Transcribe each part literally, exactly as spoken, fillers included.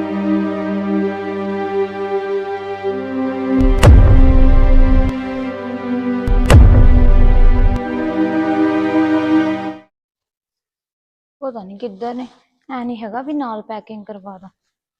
पता नहीं किधर ने ऐ नहीं हैगा भी नाल पैकिंग करवा दा।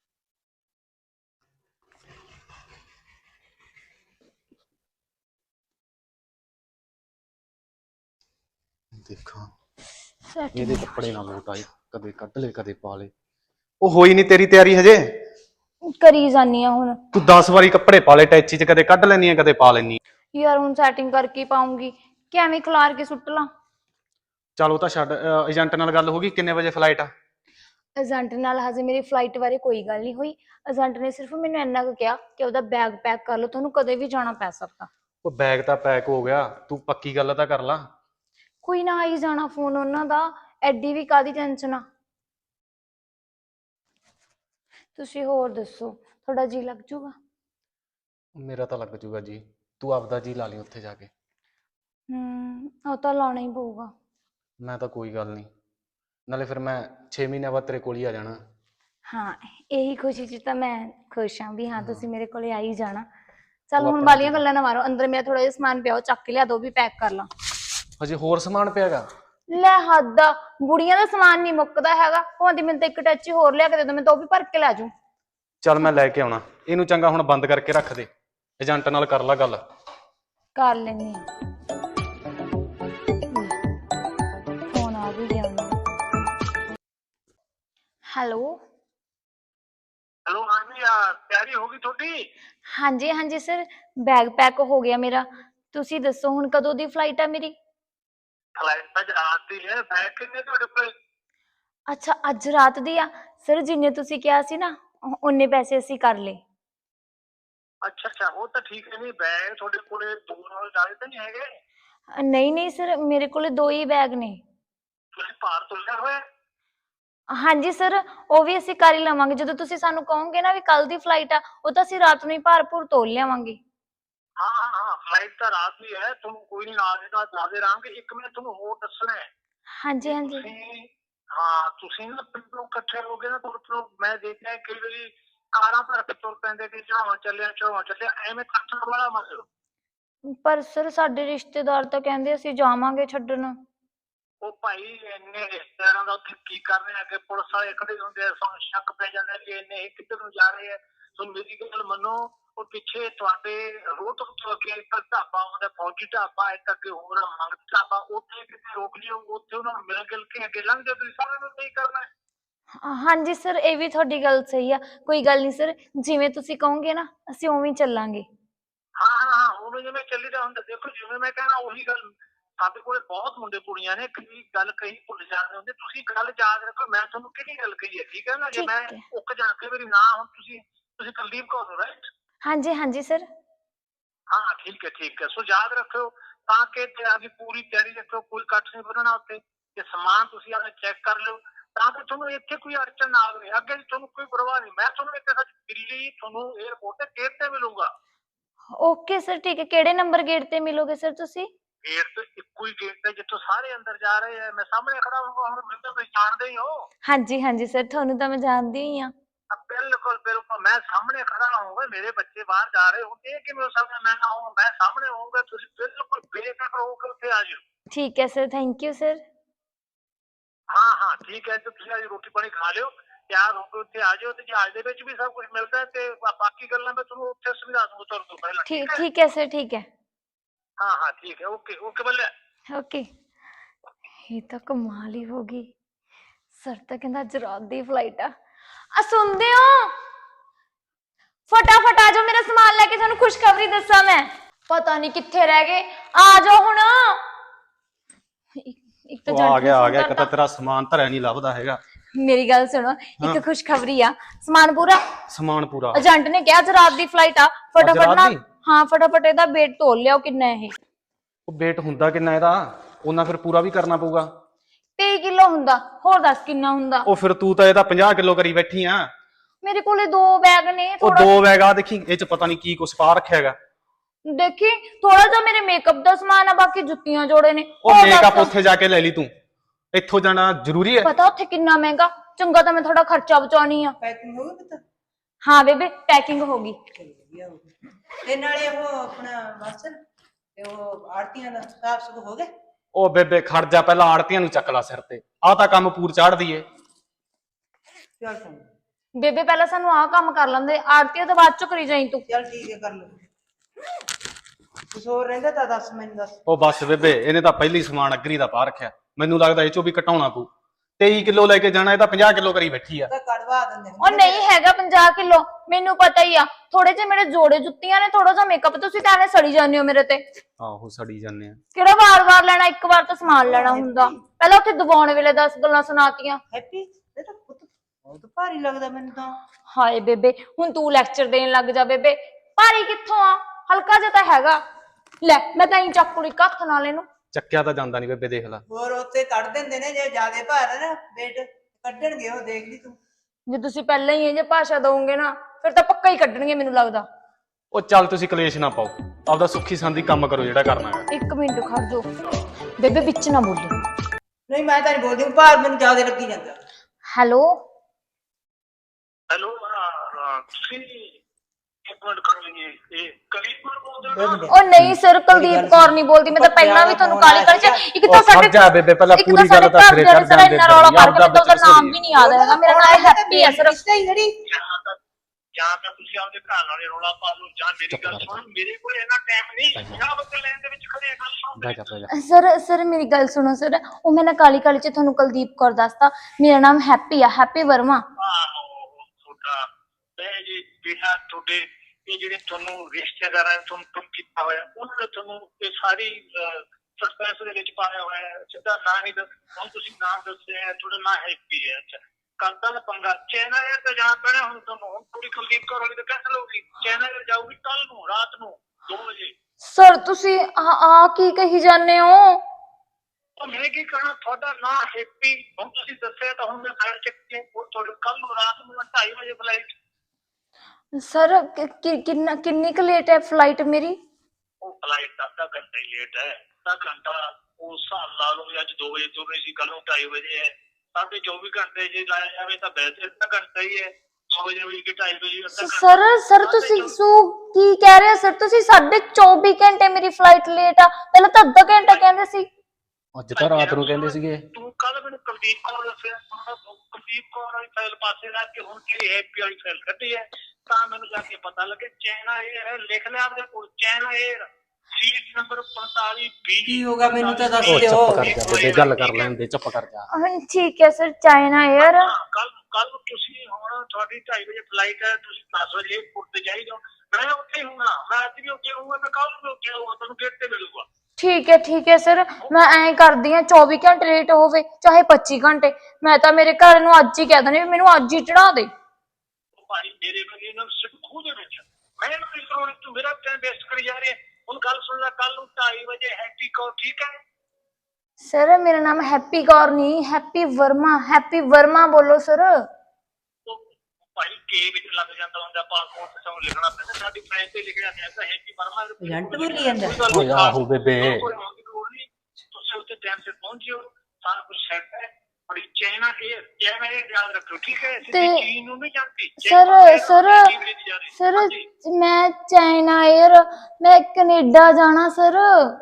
देखा सैटिंग ਇਹਦੇ ਕੱਪੜੇ ਨਾ ਮੋਟ ਆਏ, ਕਦੇ ਕੱਢ ਲੈ ਕਦੇ ਪਾ ਲੈ। ਉਹ ਹੋਈ ਨਹੀਂ ਤੇਰੀ ਤਿਆਰੀ ਹਜੇ? करी जानी है हुण। ਤੂੰ दस ਵਾਰੀ ਕੱਪੜੇ ਪਾ ਲੈ ਟੈਚੀ ਚ, ਕਦੇ ਕੱਢ ਲੈਣੀ ਆ ਕਦੇ ਪਾ ਲੈਣੀ। यार हुण सैटिंग करके पाऊंगी कि एवें खलार के सुट ला। ਚਲ ਉਹ ਤਾਂ ਛੱਡ, ਏਜੰਟ ਨਾਲ ਗੱਲ ਹੋ ਗਈ ਕਿੰਨੇ ਵਜੇ ਫਲਾਈਟ ਆ? ਏਜੰਟ नाल हजे मेरी फ्लाइट बारे कोई गल नहीं हुई। ਏਜੰਟ ने सिर्फ मैनू इन्ना क कहा कि ओहदा बैग पैक कर लो, तुहानू कदे भी जाना पै सकदा। ਉਹ ਬੈਗ ਤਾਂ ਪੈਕ ਹੋ ਗਿਆ, ਤੂੰ ਪੱਕੀ ਗੱਲ ਤਾਂ ਕਰ ਲਾ। कोई ना आई जाना फोन उन्हां दा, एडी भी कादी टेंशन आ। तुसीं होर दसो, थोड़ा जी लग जूगा? ਮੇਰਾ ਤਾਂ ਲੱਗ ਜੂਗਾ ਜੀ, ਤੂੰ ਆਪਦਾ ਜੀ ਲਾ ਲਈ ਉੱਥੇ ਜਾ ਕੇ। हम्म, ਉਹ ਤਾਂ ਲਾਉਣਾ ਹੀ ਪਊਗਾ। ਮੈਂ ਤਾਂ ਕੋਈ ਗੱਲ ਨਹੀਂ, ਨਾਲੇ ਫਿਰ ਮੈਂ ਛੇ ਮਹੀਨਿਆਂ ਬਾਅਦ ਤੇਰੇ ਕੋਲ ਹੀ ਆ ਜਾਣਾ। ਹਾਂ, ਇਹੀ ਖੁਸ਼ੀ ਚ ਤਾਂ ਮੈਂ ਖੁਸ਼ ਹਾਂ ਵੀ ਹਾਂ ਤੁਸੀਂ ਮੇਰੇ ਕੋਲੇ ਆ ਹੀ ਜਾਣਾ। ਚੱਲ ਉਹ ਹੁਣ ਆਪਣਾ ਵਾਲੀਆਂ ਗੱਲਾਂ ਨਾ ਮਾਰੋ, ਅੰਦਰ ਮੇਰਾ ਥੋੜਾ ਜਿਹਾ ਸਮਾਨ ਪਿਆ ਉਹ ਚੱਕ ਕੇ ਲਿਆ ਦੋ, ਵੀ ਪੈਕ ਕਰ ਲਾਂ। ਹਜੇ ਹੋਰ ਸਮਾਨ ਪਿਆਗਾ? ਲੈ ਹੱਦ ਆ, ਬੁੜੀਆਂ ਦਾ ਸਮਾਨ ਨਹੀਂ ਮੁੱਕਦਾ ਹੈਗਾ। ਭਾਂਦੀ ਮੈਨੂੰ ਤਾਂ ਇੱਕ ਟੈਚੀ ਹੋਰ ਲਿਆ ਕੇ ਦੇ ਦੋ, ਮੈਂ ਤਾਂ ਉਹ ਵੀ ਭਰ ਕੇ ਲੈ ਜਾਊਂ। ਚੱਲ ਮੈਂ ਲੈ ਕੇ ਆਉਣਾ, ਇਹਨੂੰ ਚੰਗਾ ਹੁਣ ਬੰਦ ਕਰਕੇ ਰੱਖ ਦੇ, ਏਜੰਟ ਨਾਲ ਕਰ ਲਾ ਗੱਲ। ਕਰ ਲੈਣੀ ਆ, ਫੋਨ ਆ ਵੀ ਗਿਆ ਉਹਨਾਂ ਦਾ। ਹੈਲੋ हेलो, हाँ जी, आ, तैयारी होगी थोड़ी? ਹਾਂਜੀ ਹਾਂਜੀ ਸਰ, ਬੈਗ ਪੈਕ ਹੋ ਗਿਆ ਮੇਰਾ। ਤੁਸੀਂ ਦੱਸੋ ਹੁਣ ਕਦੋਂ ਦੀ ਫਲਾਈਟ ਆ ਮੇਰੀ? फ्लाइट आज रात दी है, बैग कितने ਤੁਹਾਡੇ ਕੋਲ? ਅੱਛਾ, ਅੱਜ ਰਾਤ ਦੀ ਆ ਸਰ। ਜਿੰਨੇ ਤੁਸੀਂ ਕਿਹਾ ਸੀ ਨਾ ਉਨੇ ਪੈਸੇ ਅਸੀਂ ਕਰ ਲਏ। ਅੱਛਾ ਅੱਛਾ, ਉਹ ਤਾਂ ਠੀਕ ਹੈ। ਨਹੀਂ ਬੈਗ ਤੁਹਾਡੇ ਕੋਲੇ ਦੋ ਨਾਲ ਜ਼ਿਆਦਾ ਤਾਂ ਨਹੀਂ ਹੈਗੇ? ਅ, ਨਹੀਂ ਨਹੀਂ ਸਰ, ਮੇਰੇ ਕੋਲੇ ਦੋ ਹੀ ਬੈਗ ਨੇ। ਤੁਸੀਂ ਭਾਰ ਤੁਲਿਆ ਹੋਇਆ? ਹਾਂਜੀ ਸਰ, ਉਹ ਵੀ ਅਸੀਂ ਕਰ ਹੀ ਲਵਾਂਗੇ। ਜਦੋਂ ਤੁਸੀਂ ਸਾਨੂੰ ਕਹੋਗੇ ਨਾ ਵੀ ਕੱਲ ਦੀ ਫਲਾਈਟ ਆ, ਉਹ ਤਾਂ ਅਸੀਂ ਰਾਤ ਨੂੰ ਹੀ ਭਰਪੂਰ ਤੋਲ ਲਿਆਵਾਂਗੇ। ਹਾਂ ਹਾਂ ਹਾਂ, ਫਲਾਈਟ ਤਾਂ ਰਾਤ ਦੀ ਹੈ, ਤੁਹਾਨੂੰ ਕੋਈ ਨਹੀਂ, ਨਾਲ ਦੇ ਨਾਲ ਦੱਸਦੇ ਰਹਾਂਗੇ। ਇੱਕ ਮੈਂ ਤੁਹਾਨੂੰ ਹੋਰ ਦੱਸਣਾ ਹੈ। ਹਾਂਜੀ ਹਾਂਜੀ ਤੁਸੀਂ ਹਾਂ, ਤੁਸੀਂ ਨਾ ਪਿੰਡੋਂ ਇਕੱਠੇ ਹੋ ਗਏ ਨਾ, ਤੁਹਾਨੂੰ ਮੈਂ ਦੇਖਿਆ ਕਈ ਵਾਰੀ ਕਾਰਾਂ ਭਰ ਕੇ ਤੁਰ ਪੈਂਦੇ ਕਿ ਚੜਾਵਾਂ ਚੱਲਿਆ ਚੜਾਵਾਂ ਚੱਲਿਆ, ਐਵੇਂ ਕੱਟਣ ਵਾਲਾ ਮਤਲਬ। ਪਰ ਸਰ ਸਾਡੇ ਰਿਸ਼ਤੇਦਾਰ ਤਾਂ ਕਹਿੰਦੇ ਅਸੀਂ ਜਾਵਾਂਗੇ ਛੱਡਣ। ਉਹ ਭਾਈ ਇੰਨੇ ਰਿਸ਼ਤੇਦਾਰਾਂ ਦਾ ਉੱਥੇ ਕੀ ਕਰ ਰਹੇ ਆ? ਅੱਗੇ ਪੁਲਿਸ ਵਾਲੇ ਖੜੇ ਹੁੰਦੇ ਆ, ਸਾਨੂੰ ਸ਼ੱਕ ਪੈ ਜਾਂਦਾ ਕਿ ਇੰਨੇ ਇਹ ਕਿੱਧਰ ਨੂੰ ਜਾ ਰਹੇ ਆ। ਤੁਹਾਨੂੰ ਮੇਰੀ ਗੱਲ ਮੰਨੋ, ਉਹ ਪਿੱਛੇ ਤੁਹਾਡੇ ਰੋਡ ਤੋਂ ਅੱਗੇ ਇੱਕ ਢਾਬਾ ਆਉਂਦਾ, ਫੌਜੀ ਢਾਬਾ, ਇੱਕ ਅੱਗੇ ਹੋਰ ਮੰਗ ਢਾਬਾ, ਉੱਥੇ ਕਿਤੇ ਰੋਕ ਲਿਓ, ਉੱਥੇ ਉਹਨਾਂ ਨੂੰ ਮਿਲ ਗਿਲ ਕੇ ਅੱਗੇ ਲੰਘ ਜਾਓ। ਤੁਸੀਂ ਸਾਰਿਆਂ ਨੂੰ ਨਹੀਂ ਕਰਨਾ। ਹਾਂਜੀ ਸਰ, ਇਹ ਵੀ ਤੁਹਾਡੀ ਗੱਲ ਸਹੀ ਆ। ਕੋਈ ਗੱਲ ਨਹੀਂ ਸਰ, ਜਿਵੇਂ ਤੁਸੀਂ ਕਹੋਗੇ ਨਾ ਅਸੀਂ ਉਵੇਂ ਹੀ ਚੱਲਾਂਗੇ। ਹਾਂ ਹਾਂ ਹਾਂ, ਉਵੇਂ ਜਿਵੇਂ ਚੱਲੀਦਾ ਹੁੰਦਾ। ਦੇਖੋ ਜਿਵੇਂ ਮੈਂ ਕਹਿਣਾ ਉਹੀ ਗੱਲ, ਸਾਡੇ ਕੋਲੇ ਬਹੁਤ ਮੁੰਡੇ ਕੁੜੀਆਂ ਨੇ, ਕਈ ਗੱਲ ਕਹੀ ਭੁੱਲ ਜਾਂਦੇ ਹੁੰਦੇ। ਤੁਸੀਂ ਗੱਲ ਯਾਦ ਰੱਖੋ, ਮੈਂ ਤੁਹਾਨੂੰ ਕਿਹੜੀ ਗੱਲ ਕਹੀ ਹੈ, ਠੀਕ ਹੈ ਨਾ? ਜੇ ਮੈਂ ਉੱਕ ਜਾ ਕੇ ਮੇਰੀ ਨਾ ਹੁਣ ਤੁਸੀਂ ਤੁਸੀਂ ਕੁਲਦੀਪ ਕੌਰ ਹੋ, ਰਾਈਟ? ਹਾਂਜੀ ਹਾਂਜੀ ਸਰ। ਹਾਂ ਠੀਕ ਹੈ ਠੀਕ ਹੈ। ਸੋ ਯਾਦ ਰੱਖਿਓ ਤਾਂ ਕਿ ਤੇ ਆਪਦੀ ਪੂਰੀ ਤਿਆਰੀ ਰੱਖਿਓ, ਕੋਈ ਕੱਟ ਨਹੀਂ ਬੰਨਣਾ ਉੱਤੇ। ਤੇ ਸਮਾਨ ਤੁਸੀਂ ਆਪਦਾ ਚੈੱਕ ਕਰ ਲਿਓ ਤਾਂ ਕਿ ਤੁਹਾਨੂੰ ਇੱਥੇ ਕੋਈ ਅੜਚਨ ਨਾ ਆਵੇ। ਅੱਗੇ ਤੁਹਾਨੂੰ ਕੋਈ ਪਰਵਾਹ ਨਹੀਂ, ਮੈਂ ਤੁਹਾਨੂੰ ਇੱਥੇ ਸੱਚ ਦਿੱਲੀ ਤੁਹਾਨੂੰ ਏਅਰਪੋਰਟ ਤੇ ਗੇਟ ਤੇ ਮਿਲੂੰਗਾ। ਓਕੇ ਸਰ, ਠੀਕ ਹੈ। ਕਿਹੜੇ ਨੰਬਰ ਗੇਟ ਤੇ ਮਿਲੋਗੇ ਸਰ ਤੁਸੀਂ? ਗੇਟ ਤੇ ਇੱਕੋ ਹੀ ਗੇਟ ਤੇ ਜਿੱਥੋਂ ਸਾਰੇ ਅੰਦਰ ਜਾ ਰਹੇ ਆ, ਮੈਂ ਸਾਹਮਣੇ ਖੜਾ ਹੋਊਗਾ। ਹੁਣ ਮੈਨੂੰ ਤਾਂ ਤੁਸੀਂ ਜਾਣਦੇ ਹੀ ਹੋ। ਹਾਂਜੀ ਹਾਂਜੀ ਸਰ, ਤੁਹਾਨੂੰ ਤਾਂ ਮੈਂ ਜਾਣਦੀ ਹੀ ਹਾਂ। ਬਿਲਕੁਲ ਬਿਲਕੁਲ, ਮੈਂ ਸਾਹਮਣੇ ਖੜਾ ਹੋਊਂਗਾ। ਮੇਰੇ ਬੱਚੇ ਬਾਹਰ ਜਾ ਰਹੇ ਹੁੰਦੇ, ਇਹ ਕਿਵੇਂ ਹੋ ਸਕਦਾ ਮੈਂ ਨਾ ਹੋਊਂ? ਮੈਂ ਸਾਹਮਣੇ ਹੋਊਂਗਾ, ਤੁਸੀਂ ਬਿਲਕੁਲ ਬੇਫਿਕਰ ਹੋ ਕੇ ਉੱਥੇ ਆ ਜਾਓ। ਠੀਕ ਹੈ ਸਰ, ਥੈਂਕ ਯੂ ਸਰ। ਹਾਂ ਹਾਂ ਠੀਕ ਹੈ। ਤੇ ਤੁਸੀਂ ਅੱਜ ਰੋਟੀ ਪਾਣੀ ਖਾ ਲਿਓ, ਤਿਆਰ ਹੋ ਕੇ ਉੱਥੇ ਆ ਜਾਓ। ਤੇ ਜਹਾਜ਼ ਦੇ ਵਿੱਚ ਵੀ ਸਭ ਕੁਝ ਮਿਲਦਾ ਹੈ, ਤੇ ਬਾਕੀ ਗੱਲਾਂ ਮੈਂ ਤੁਹਾਨੂੰ ਉੱਥੇ ਸਮਝਾ ਦੂੰਗਾ ਤੁਹਾਨੂੰ ਤੋਂ ਪਹਿਲਾਂ। ਠੀਕ ਠੀਕ ਹੈ ਸਰ, ਠੀਕ ਹੈ। ਹਾਂ ਹਾਂ ਠੀਕ ਹੈ, ਓਕੇ ਓਕੇ ਬੱਲੇ। ਓਕੇ। ਇਹ ਤਾਂ ਕਮਾਲ ਹੀ ਹੋ ਗਈ। ਸਰ ਤਾਂ ਕਹਿੰਦਾ ਅੱਜ ਰਾਤ ਦੀ ਫਲਾਈਟ ਆ। ਆ ਸੁਣਦੇ ਹੋ? ਫਟਾਫਟ ਆ ਜਾਓ, ਮੇਰਾ ਸਮਾਨ ਲੈ ਕੇ ਤੁਹਾਨੂੰ ਖੁਸ਼ਖਬਰੀ ਦੱਸਾਂ ਮੈਂ। ਪਤਾ ਨਹੀਂ ਕਿੱਥੇ ਰਹਿ ਗਏ, ਆ ਜਾਓ ਹੁਣ। ਇੱਕ ਤਾਂ ਆ ਗਿਆ ਆ ਗਿਆ, ਇੱਕ ਤਾਂ ਤੇਰਾ ਸਮਾਨ ਧਰਿਆ ਨਹੀਂ ਲੱਭਦਾ ਹੈਗਾ। ਮੇਰੀ ਗੱਲ ਸੁਣੋ, ਇੱਕ ਖੁਸ਼ਖਬਰੀ ਆ। ਸਮਾਨ ਪੂਰਾ? ਸਮਾਨ ਪੂਰਾ। ਏਜੰਟ ਨੇ ਕਿਹਾ ਅੱਜ ਰਾਤ ਦੀ ਫਲਾਈਟ ਆ, ਫਟਾਫਟ ਨਾ। ਹਾਂ ਫਟਾਫਟ ਇਹਦਾ weight ਤੋਲ ਲਿਆਓ, ਕਿੰਨਾ ਇਹ? ਉਹ weight ਹੁੰਦਾ ਕਿੰਨਾ ਇਹਦਾ? ਉਹਨਾਂ ਫਿਰ ਪੂਰਾ ਵੀ ਕਰਨਾ ਪਊਗਾ। ਤੀਹ ਕਿਲੋ ਹੁੰਦਾ, ਹੋਰ ਦੱਸ ਕਿੰਨਾ ਹੁੰਦਾ? ਉਹ ਫਿਰ ਤੂੰ ਤਾਂ ਇਹਦਾ ਪੰਜਾਹ ਕਿਲੋ ਕਰੀ ਬੈਠੀ ਆ। ਮੇਰੇ ਕੋਲੇ ਦੋ ਬੈਗ ਨੇ। ਉਹ ਦੋ ਬੈਗ ਆ, ਦੇਖੀ ਇਹ ਚ ਪਤਾ ਨਹੀਂ ਕੀ ਕੁਛ ਪਾ ਰੱਖਿਆ ਹੈਗਾ। ਦੇਖੀ, ਥੋੜਾ ਜਿਹਾ ਮੇਰੇ ਮੇਕਅਪ ਦਾ ਸਮਾਨ ਆ, ਬਾਕੀ ਜੁੱਤੀਆਂ ਜੋੜੇ ਨੇ। ਉਹ ਮੇਕਅਪ ਉੱਥੇ ਜਾ ਕੇ ਲੈ ਲਈ ਤੂੰ, ਇੱਥੋਂ ਜਾਣਾ ਜ਼ਰੂਰੀ ਹੈ? ਪਤਾ ਉੱਥੇ ਕਿੰਨਾ ਮਹਿੰਗਾ। ਚੰਗਾ ਤਾਂ ਮੈਂ ਥੋੜਾ ਖਰਚਾ ਬਚਾਉਣੀ ਆ। ਪੈਕਿੰਗ ਹੋ ਗਈ ਪੁੱਤ? ਹਾਂ ਬੇਬੇ ਪੈਕਿੰਗ ਹੋ ਗਈ। ਚਲੋ ਵਧੀਆ ਹੋ ਗਿਆ। ਤੇ ਨਾਲੇ ਉਹ ਆਪਣਾ ਵਾਸਨ ਤੇ ਉਹ ਆੜਤੀਆਂ ਦਾ ਸਾਫ ਸੁਥਰਾ ਹੋ ਗਿਆ। ਉਹ ਬੇਬੇ ਖੜ ਜਾ, ਪਹਿਲਾਂ ਆੜਤੀਆਂ ਨੂੰ ਚੱਕ ਲਾ ਸਿਰ ਤੇ, ਆਹ ਤਾਂ ਕੰਮ ਪੂਰ ਚਾੜਦੀ ਏ। ਚੱਲ ਚੰਗਾ, ਬੇਬੇ ਪਹਿਲਾਂ ਸਾਨੂੰ ਆਹ ਕੰਮ ਕਰ ਲੈਂਦੇ, ਆੜਤੀ ਤਾਂ ਬਾਅਦ ਚੋਂ ਕਰੀ ਜਾਈ ਤੂੰ। ਚੱਲ ਠੀਕ ਹੈ ਕਰ ਲਓ। ਕੁਛ ਹੋਰ ਰਹਿੰਦਾ ਤਾਂ ਦੱਸ ਮੈਨੂੰ ਦੱਸ। ਉਹ ਬਸ ਬੇਬੇ, ਇਹਨੇ ਤਾਂ ਪਹਿਲੀ ਸਮਾਨ ਅਗਰੀ ਦਾ ਪਾ ਰੱਖਿਆ, ਮੈਨੂੰ ਲੱਗਦਾ ਇਹ ਚੋਂ ਵੀ ਘਟਾਉਣਾ ਪਊ। ਤੇਈ ਕਿਲੋ ਲੈ ਕੇ ਜਾਣਾ, ਇਹ ਤਾਂ ਪੰਜਾਹ ਕਿਲੋ ਕਰੀ ਬੈਠੀ ਆ। ਤਾਂ ਕੜਵਾ ਦਿੰਦੇ ਉਹ ਨਹੀਂ ਹੈਗਾ ਪੰਜਾਹ ਕਿਲੋ, ਮੈਨੂੰ ਪਤਾ ਹੀ ਆ। ਥੋੜੇ ਜਿਹੇ ਮੇਰੇ ਜੋੜੇ ਜੁੱਤੀਆਂ ਨੇ, ਥੋੜਾ ਜਿਹਾ ਮੇਕਅਪ, ਤੁਸੀਂ ਤਾਂ ਐਵੇਂ ਸੜੀ ਜਾਂਦੇ ਹੋ ਮੇਰੇ ਤੇ। ਆਹੋ ਸੜੀ ਜਾਂਦੇ ਆ। ਕਿਹੜਾ ਵਾਰ-ਵਾਰ ਲੈਣਾ, ਇੱਕ ਵਾਰ ਤਾਂ ਸਮਾਨ ਲੈਣਾ ਹੁੰਦਾ। ਪਹਿਲਾਂ ਉੱਥੇ ਦਬਾਉਣ ਵੇਲੇ ਦਸ ਗੱਲਾਂ ਸੁਣਾਤੀਆਂ। ਹੈਪੀ ਇਹ ਤਾਂ ਪੁੱਤ ਬਹੁਤ ਭਾਰੀ ਲੱਗਦਾ ਮੈਨੂੰ ਤਾਂ। ਹਾਏ ਬੇਬੇ, ਹੁਣ ਤੂੰ ਲੈਕਚਰ ਦੇਣ ਲੱਗ ਜਾ ਬੇਬੇ। ਭਾਰੀ ਕਿੱਥੋਂ ਆ, ਹਲਕਾ ਜਿਹਾ ਤਾਂ ਹੈਗਾ। ਲੈ ਮੈਂ ਤਾਂ ਹੀ ਚੱਕ ਲਈ ਹੱਥ ਨਾਲ ਇਹਨੂੰ। ਚੱਕਿਆ ਤਾਂ ਜਾਂਦਾ ਨਹੀਂ ਬੇਬੇ, ਦੇਖ ਲੈ। ਹੋਰ ਉੱਤੇ ਕੱਢ ਦਿੰਦੇ ਨੇ ਜੇ ਜ਼ਿਆਦੇ ਭਾਰ ਹੈ ਨਾ, ਵੇਟ ਕੱਢਣਗੇ ਉਹ, ਦੇਖ ਲਈ ਤੂੰ। ਜੇ ਤੁਸੀਂ ਪਹਿਲਾਂ ਹੀ ਇਹ ਜੇ ਭਾਸ਼ਾ ਦੋਗੇ ਨਾ, ਫਿਰ ਤਾਂ ਪੱਕਾ ਹੀ ਕੱਢਣਗੇ ਮੈਨੂੰ ਲੱਗਦਾ। ਉਹ ਚੱਲ ਤੁਸੀਂ ਕਲੇਸ਼ ਨਾ ਪਾਓ, ਆਪਦਾ ਸੁੱਖੀ ਸੰਦੀ ਕੰਮ ਕਰੋ ਜਿਹੜਾ ਕਰਨਾ ਹੈ। ਇੱਕ ਮਿੰਟ ਖੜ ਜਾਓ ਬੇਬੇ, ਵਿੱਚ ਨਾ ਬੋਲੀ। ਨਹੀਂ ਮੈਂ ਤਾਂ ਨਹੀਂ ਬੋਲਦੀ, ਭਾਰ ਮੈਨੂੰ ਜ਼ਿਆਦਾ ਲੱਗੀ ਜਾਂਦਾ। ਹੈਲੋ ਹੈਲੋ ਤੁਸੀਂ ਇੱਕ ਮਿੰਟ ਕਰੋ ਜੀ, ਇਹ ਕਲੀਪਰ ਬੋਲਦੇ ਹੋ ਨਾ? ਉਹ ਨਹੀਂ ਸਰ, ਕੁਲਦੀਪ ਕੌਰ ਨਹੀਂ ਬੋਲਦੀ। ਮੈਂ ਤਾਂ ਪਹਿਲਾਂ ਵੀ ਤੁਹਾਨੂੰ ਕਾਲੀ ਕਾਲੀ ਚ ਇੱਕ ਤਾਂ ਸਾਡੇ ਜਾ ਬੇਬੇ, ਪਹਿਲਾਂ ਪੂਰੀ ਗੱਲ ਤਾਂ ਸਿਰੇ ਚੜ ਜਾਂਦੇ। ਇੰਨਾ ਰੌਲਾ ਪਾ ਕੇ ਉਹਦਾ ਨਾਮ ਵੀ ਨਹੀਂ ਯਾਦ ਹੈਗਾ। ਮੇਰਾ ਨਾਮ ਹੈਪੀ ਹੈ ਸਰ। ਜਾਂ ਤਾਂ ਤੁਸੀਂ ਆਪਦੇ ਘਰ ਨਾਲੇ ਰੌਲਾ ਪਾ ਲਓ, ਜਾਂ ਮੇਰੀ ਗੱਲ ਸੁਣੋ। ਮੇਰੇ ਕੋਲ ਇੰਨਾ ਟਾਈਮ ਨਹੀਂ, ਜਾਂ ਬੱਕਰ ਲੈਣ ਦੇ ਵਿੱਚ ਖੜੇ ਗੱਲ ਸੁਣੋ। ਬਹਿ ਜਾ ਬਹਿ ਜਾ। ਸਰ ਸਰ ਮੇਰੀ ਗੱਲ ਸੁਣੋ ਸਰ, ਉਹ ਮੈਂ ਨਾ ਕਾਲੀ ਕਾਲੀ ਚ ਤੁਹਾਨੂੰ ਕੁਲਦੀਪ ਕੌਰ ਦੱਸਤਾ। ਮੇਰਾ ਨਾਮ ਹੈਪੀ ਆ, ਹੈਪੀ ਵਰਮਾ। ਆਹੋ ਤੁਹਾਡਾ ਮੈਂ ਜੀ ਬਿਨਾਂ ਤੁਹਾਡੇ ਇਹ ਜਿਹੜੇ ਤੁਹਾਨੂੰ ਰਿਸ਼ਤੇਦਾਰਾਂ ਨੇ ਤੁਹਾਨੂੰ ਤੁਮ ਕੀਤਾ ਹੋਇਆ, ਉਹਨਾਂ ਨੇ ਤੁਹਾਨੂੰ ਇਹ ਸਾਰੀ ਸਸਪੈਂਸ ਦੇ ਵਿੱਚ ਪਾਇਆ ਹੋਇਆ ਹੈ। ਸਿੱਧਾ ਨਾਂ ਨਹੀਂ ਦੱਸ, ਹੁਣ ਤੁਸੀਂ ਨਾਮ ਦੱਸਿਆ, ਤੁਹਾਡਾ ਨਾਂ ਹੈਪੀ ਹੈ। ਅੱਛਾ ਕਰਦਾ ਨਾ ਪੰਗਾ, ਚੈਨਾ ਏਅਰ ਤੇ ਜਾਣਾ ਪੈਣਾ ਹੁਣ ਤੁਹਾਨੂੰ। ਹੁਣ ਥੋੜੀ ਕੁਲਦੀਪ ਕੌਰ ਵਾਲੀ ਤਾਂ ਕੈਂਸਲ ਹੋਊਗੀ, ਚੈਨਾ ਏਅਰ ਜਾਊਗੀ ਕੱਲ ਨੂੰ ਰਾਤ ਨੂੰ ਦੋ ਵਜੇ। ਸਰ ਤੁਸੀਂ ਆ ਆ ਕੀ ਕਹੀ ਜਾਂਦੇ ਹੋ? ਉਹ ਮੈਂ ਕੀ ਕਹਿਣਾ, ਤੁਹਾਡਾ ਨਾਂ ਹੈਪੀ, ਹੁਣ ਤੁਸੀਂ ਦੱਸਿਆ ਤਾਂ ਹੁਣ ਮੈਂ ਫਾਇਰ ਚੱਕੀ, ਉਹ ਤੁਹਾਡੇ ਕੱਲ ਨੂੰ ਰਾਤ ਨੂੰ ਢਾਈ ਵਜੇ ਫਲਾਈਟ। ਸਰ ਕਿੰਨਾ ਕਿੰਨੀ ਕੁ ਲੇਟ ਹੈ ਫਲਾਈਟ ਮੇਰੀ? ਉਹ ਫਲਾਈਟ ਅੱਧਾ ਘੰਟਾ ਹੀ ਲੇਟ ਹੈ, ਅੱਧਾ ਘੰਟਾ। ਉਹ ਹਿਸਾਬ ਲਾ ਲਓ ਵੀ ਅੱਜ ਦੋ ਵਜੇ ਤੁਰਨੀ ਸੀ, ਕੱਲ ਨੂੰ ਢਾਈ ਵਜੇ ਹੈ। ਸਾਢੇ ਚੌਵੀ ਘੰਟੇ ਜੇ ਲਾਇਆ ਜਾਵੇ ਤਾਂ ਵੈਸੇ ਅੱਧਾ ਘੰਟਾ ਹੀ ਹੈ। ਦੋ ਵਜੇ ਹੋਈ ਕਿ ਢਾਈ ਵਜੇ ਅੱਧਾ ਘੰਟਾ। ਸਰ ਸਰ ਤੁਸੀਂ ਸੂ ਕੀ ਕਹਿ ਰਹੇ ਹੋ ਸਰ? ਤੁਸੀਂ ਸਾਢੇ ਚੌਵੀ ਘੰਟੇ ਮੇਰੀ ਫਲਾਈਟ ਲੇਟ ਆ, ਪਹਿਲਾਂ ਤਾਂ ਅੱਧਾ ਘੰਟਾ ਕਹਿੰਦੇ ਸੀ। ਅੱਜ ਤਾਂ ਰਾਤ ਨੂੰ ਕਹਿੰਦੇ ਸੀਗੇ। ਤੂੰ ਕੱਲ ਮੈਨੂੰ ਕੁਲਦੀਪ ਕੌਰ ਦੱਸਿਆ, ਕੁਲਦੀਪ ਕੌਰ ਵਾਲੀ ਫਾਈਲ ਪਾਸੇ ਰੱਖ ਕੇ ਹੁਣ ਤੇਰੀ ਹੈਪੀ ਵਾਲੀ ਫਾਈਲ ਕੱਢੀ ਹੈ, ਤਾਂ ਮੈਨੂੰ ਜਾ ਕੇ ਪਤਾ ਲੱਗੇ ਚੈਨਾ ਏਅਰ ਲਿਖ ਲਿਆ ਆਪਣੇ ਕੋਲ, ਚੈਨਾ ਏਅਰ ਸੀਟ ਨੰਬਰ ਪੰਤਾਲੀ ਬੀ। ਕੀ ਹੋਗਾ ਮੈਨੂੰ ਤਾਂ ਦੱਸ ਉਹ ਦਿਓ। ਚੁੱਪ ਕਰ ਜਾ ਬੇਬੇ, ਗੱਲ ਕਰ ਲੈਣ ਦੇ, ਚੁੱਪ ਕਰ ਜਾ। ਹਾਂ ਠੀਕ ਹੈ ਸਰ, ਚਾਈਨਾ ਏਅਰ। ਕੱਲ ਕੱਲ ਤੁਸੀਂ ਹੁਣ ਤੁਹਾਡੀ ਢਾਈ ਵਜੇ ਫਲਾਈਟ ਹੈ, ਤੁਸੀਂ ਦਸ ਵਜੇ ਏਅਰਪੋਰਟ ਤੇ ਜਾਈਓ। ਮੈਂ ਉੱਥੇ ਹੋਣਾ, ਮੈਂ ਅੱਜ ਵੀ ਉੱਥੇ ਹੋਊਗਾ, ਮੈਂ ਕੱਲ ਨੂੰ ਵੀ ਉੱਥੇ ਹੋਊਗਾ, ਤੁਹਾਨੂੰ ਗੇਟ ਤੇ ਮਿਲੂਗਾ। ਠੀਕ ਹੈ ਠੀਕ ਹੈ ਸਰ, ਮੈਂ ਐਂ ਕਰਦੀ ਹਾਂ ਚੌਵੀ ਘੰਟੇ ਲੇਟ ਹੋਵੇ ਚਾਹੇ ਪੱਚੀ ਘੰਟੇ, ਮੈਂ ਤਾਂ ਮੇਰੇ ਘਰ ਨੂੰ ਅੱਜ ਹੀ ਕਹਿ ਦਿੰਦੀ ਵੀ ਮੈਨੂੰ ਅੱਜ ਹੀ ਚੜਾ ਦੇ। ਭਾਈ ਮੇਰੇ ਕੋਲ ਇਹਨਾਂ ਸਿੱਖ ਖੂਹ ਦੇ ਵਿੱਚ ਮੈਂ ਇਹਨੂੰ ਕੀ ਕਰਾਉਣੀ, ਤੂੰ ਮੇਰਾ ਟਾਈਮ ਵੇਸਟ ਕਰੀ ਜਾ ਰਹੀ ਹੈ। ਹੁਣ ਗੱਲ ਸੁਣ ਲੈ, ਕੱਲ ਨੂੰ ਢਾਈ ਵਜੇ ਹੈਪੀ ਕੌਰ, ਠੀਕ ਹੈ? ਸਰ ਮੇਰਾ ਨਾਮ ਹੈਪੀ ਕੌਰ ਨਹੀਂ, ਹੈਪੀ ਵਰਮਾ, ਹੈਪੀ ਵਰਮਾ ਬੋਲੋ ਸਰ। ਭਾਈ ਕੇ ਵਿੱਚ ਲੱਗ ਜਾਂਦਾ ਹੁੰਦਾ, ਪਾਸਪੋਰਟ ਤੇ ਸਾਨੂੰ ਲਿਖਣਾ ਪੈਂਦਾ, ਸਾਡੀ ਫਾਈਲ ਤੇ ਲਿਖਿਆ ਗਿਆ ਤਾਂ ਹੈਪੀ ਵਰਮਾ। ਏਜੰਟ ਬੋਲੀ ਜਾਂਦਾ। ਓਏ ਆਹੋ ਬੇਬੇ, ਤੁਸੀਂ ਉੱਥੇ ਟਾਈਮ ਤੇ ਪਹੁੰਚਿਓ, ਸਾਰਾ ਕੁਝ ਸੈੱਟ ਹੈ। ਔਰ ਚੈਨਾ ਏਅਰ, ਚੈਨਾ ਏਅਰ ਯਾਦ ਰੱਖੋ, ਠੀਕ ਹੈ? ਤੇ ਚੀਨ ਨੂੰ ਨਹੀਂ ਜਾਂਦੀ ਸਰ ਸਰ ਸਰ ਮੈਂ ਚਾਈਨਾ ਏਅਰ, ਮੈਂ ਕੈਨੇਡਾ ਜਾਣਾ ਸਰ।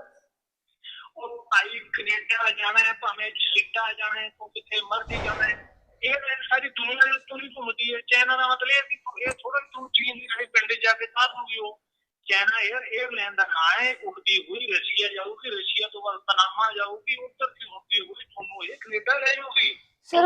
ਉਹ ਭਾਈ ਕੈਨੇਡਾ ਜਾਣਾ ਹੈ, ਭਾਵੇਂ ਸਿੱਧਾ ਜਾਣਾ ਹੈ, ਤੂੰ ਕਿੱਥੇ ਮਰਜ਼ੀ ਜਾਣਾ ਹੈ। ਇਹ ਸਾਰੀ ਦੁਨੀਆ ਦੇ ਤੁਰੀ ਘੁੰਮਦੀ ਹੈ। ਚਾਈਨਾ ਦਾ ਮਤਲਬ ਇਹ ਵੀ ਇਹ ਥੋੜਾ ਤੂੰ ਚੀਨ ਦੀ ਜਿਹੜੇ ਪਿੰਡ ਜਾ ਕੇ ਤਾਂ ਦੂਗੀ ਉਹ। ਚਾਈਨਾ ਏਅਰ ਏਅਰਲਾਈਨ ਦਾ ਨਾਂ ਹੈ, ਉੜਦੀ ਹੋਈ ਰਸ਼ੀਆ ਜਾਊਗੀ, ਰਸ਼ੀਆ ਤੋਂ ਬਾਅਦ ਪਨਾਮਾ ਜਾਊਗੀ, ਉੱਧਰ ਦੀ ਉੜਦੀ ਹੋਈ ਤੁਹਾਨੂੰ ਇਹ ਕੈਨੇਡਾ ਲੈ ਜਾਊਗੀ। ਸਰ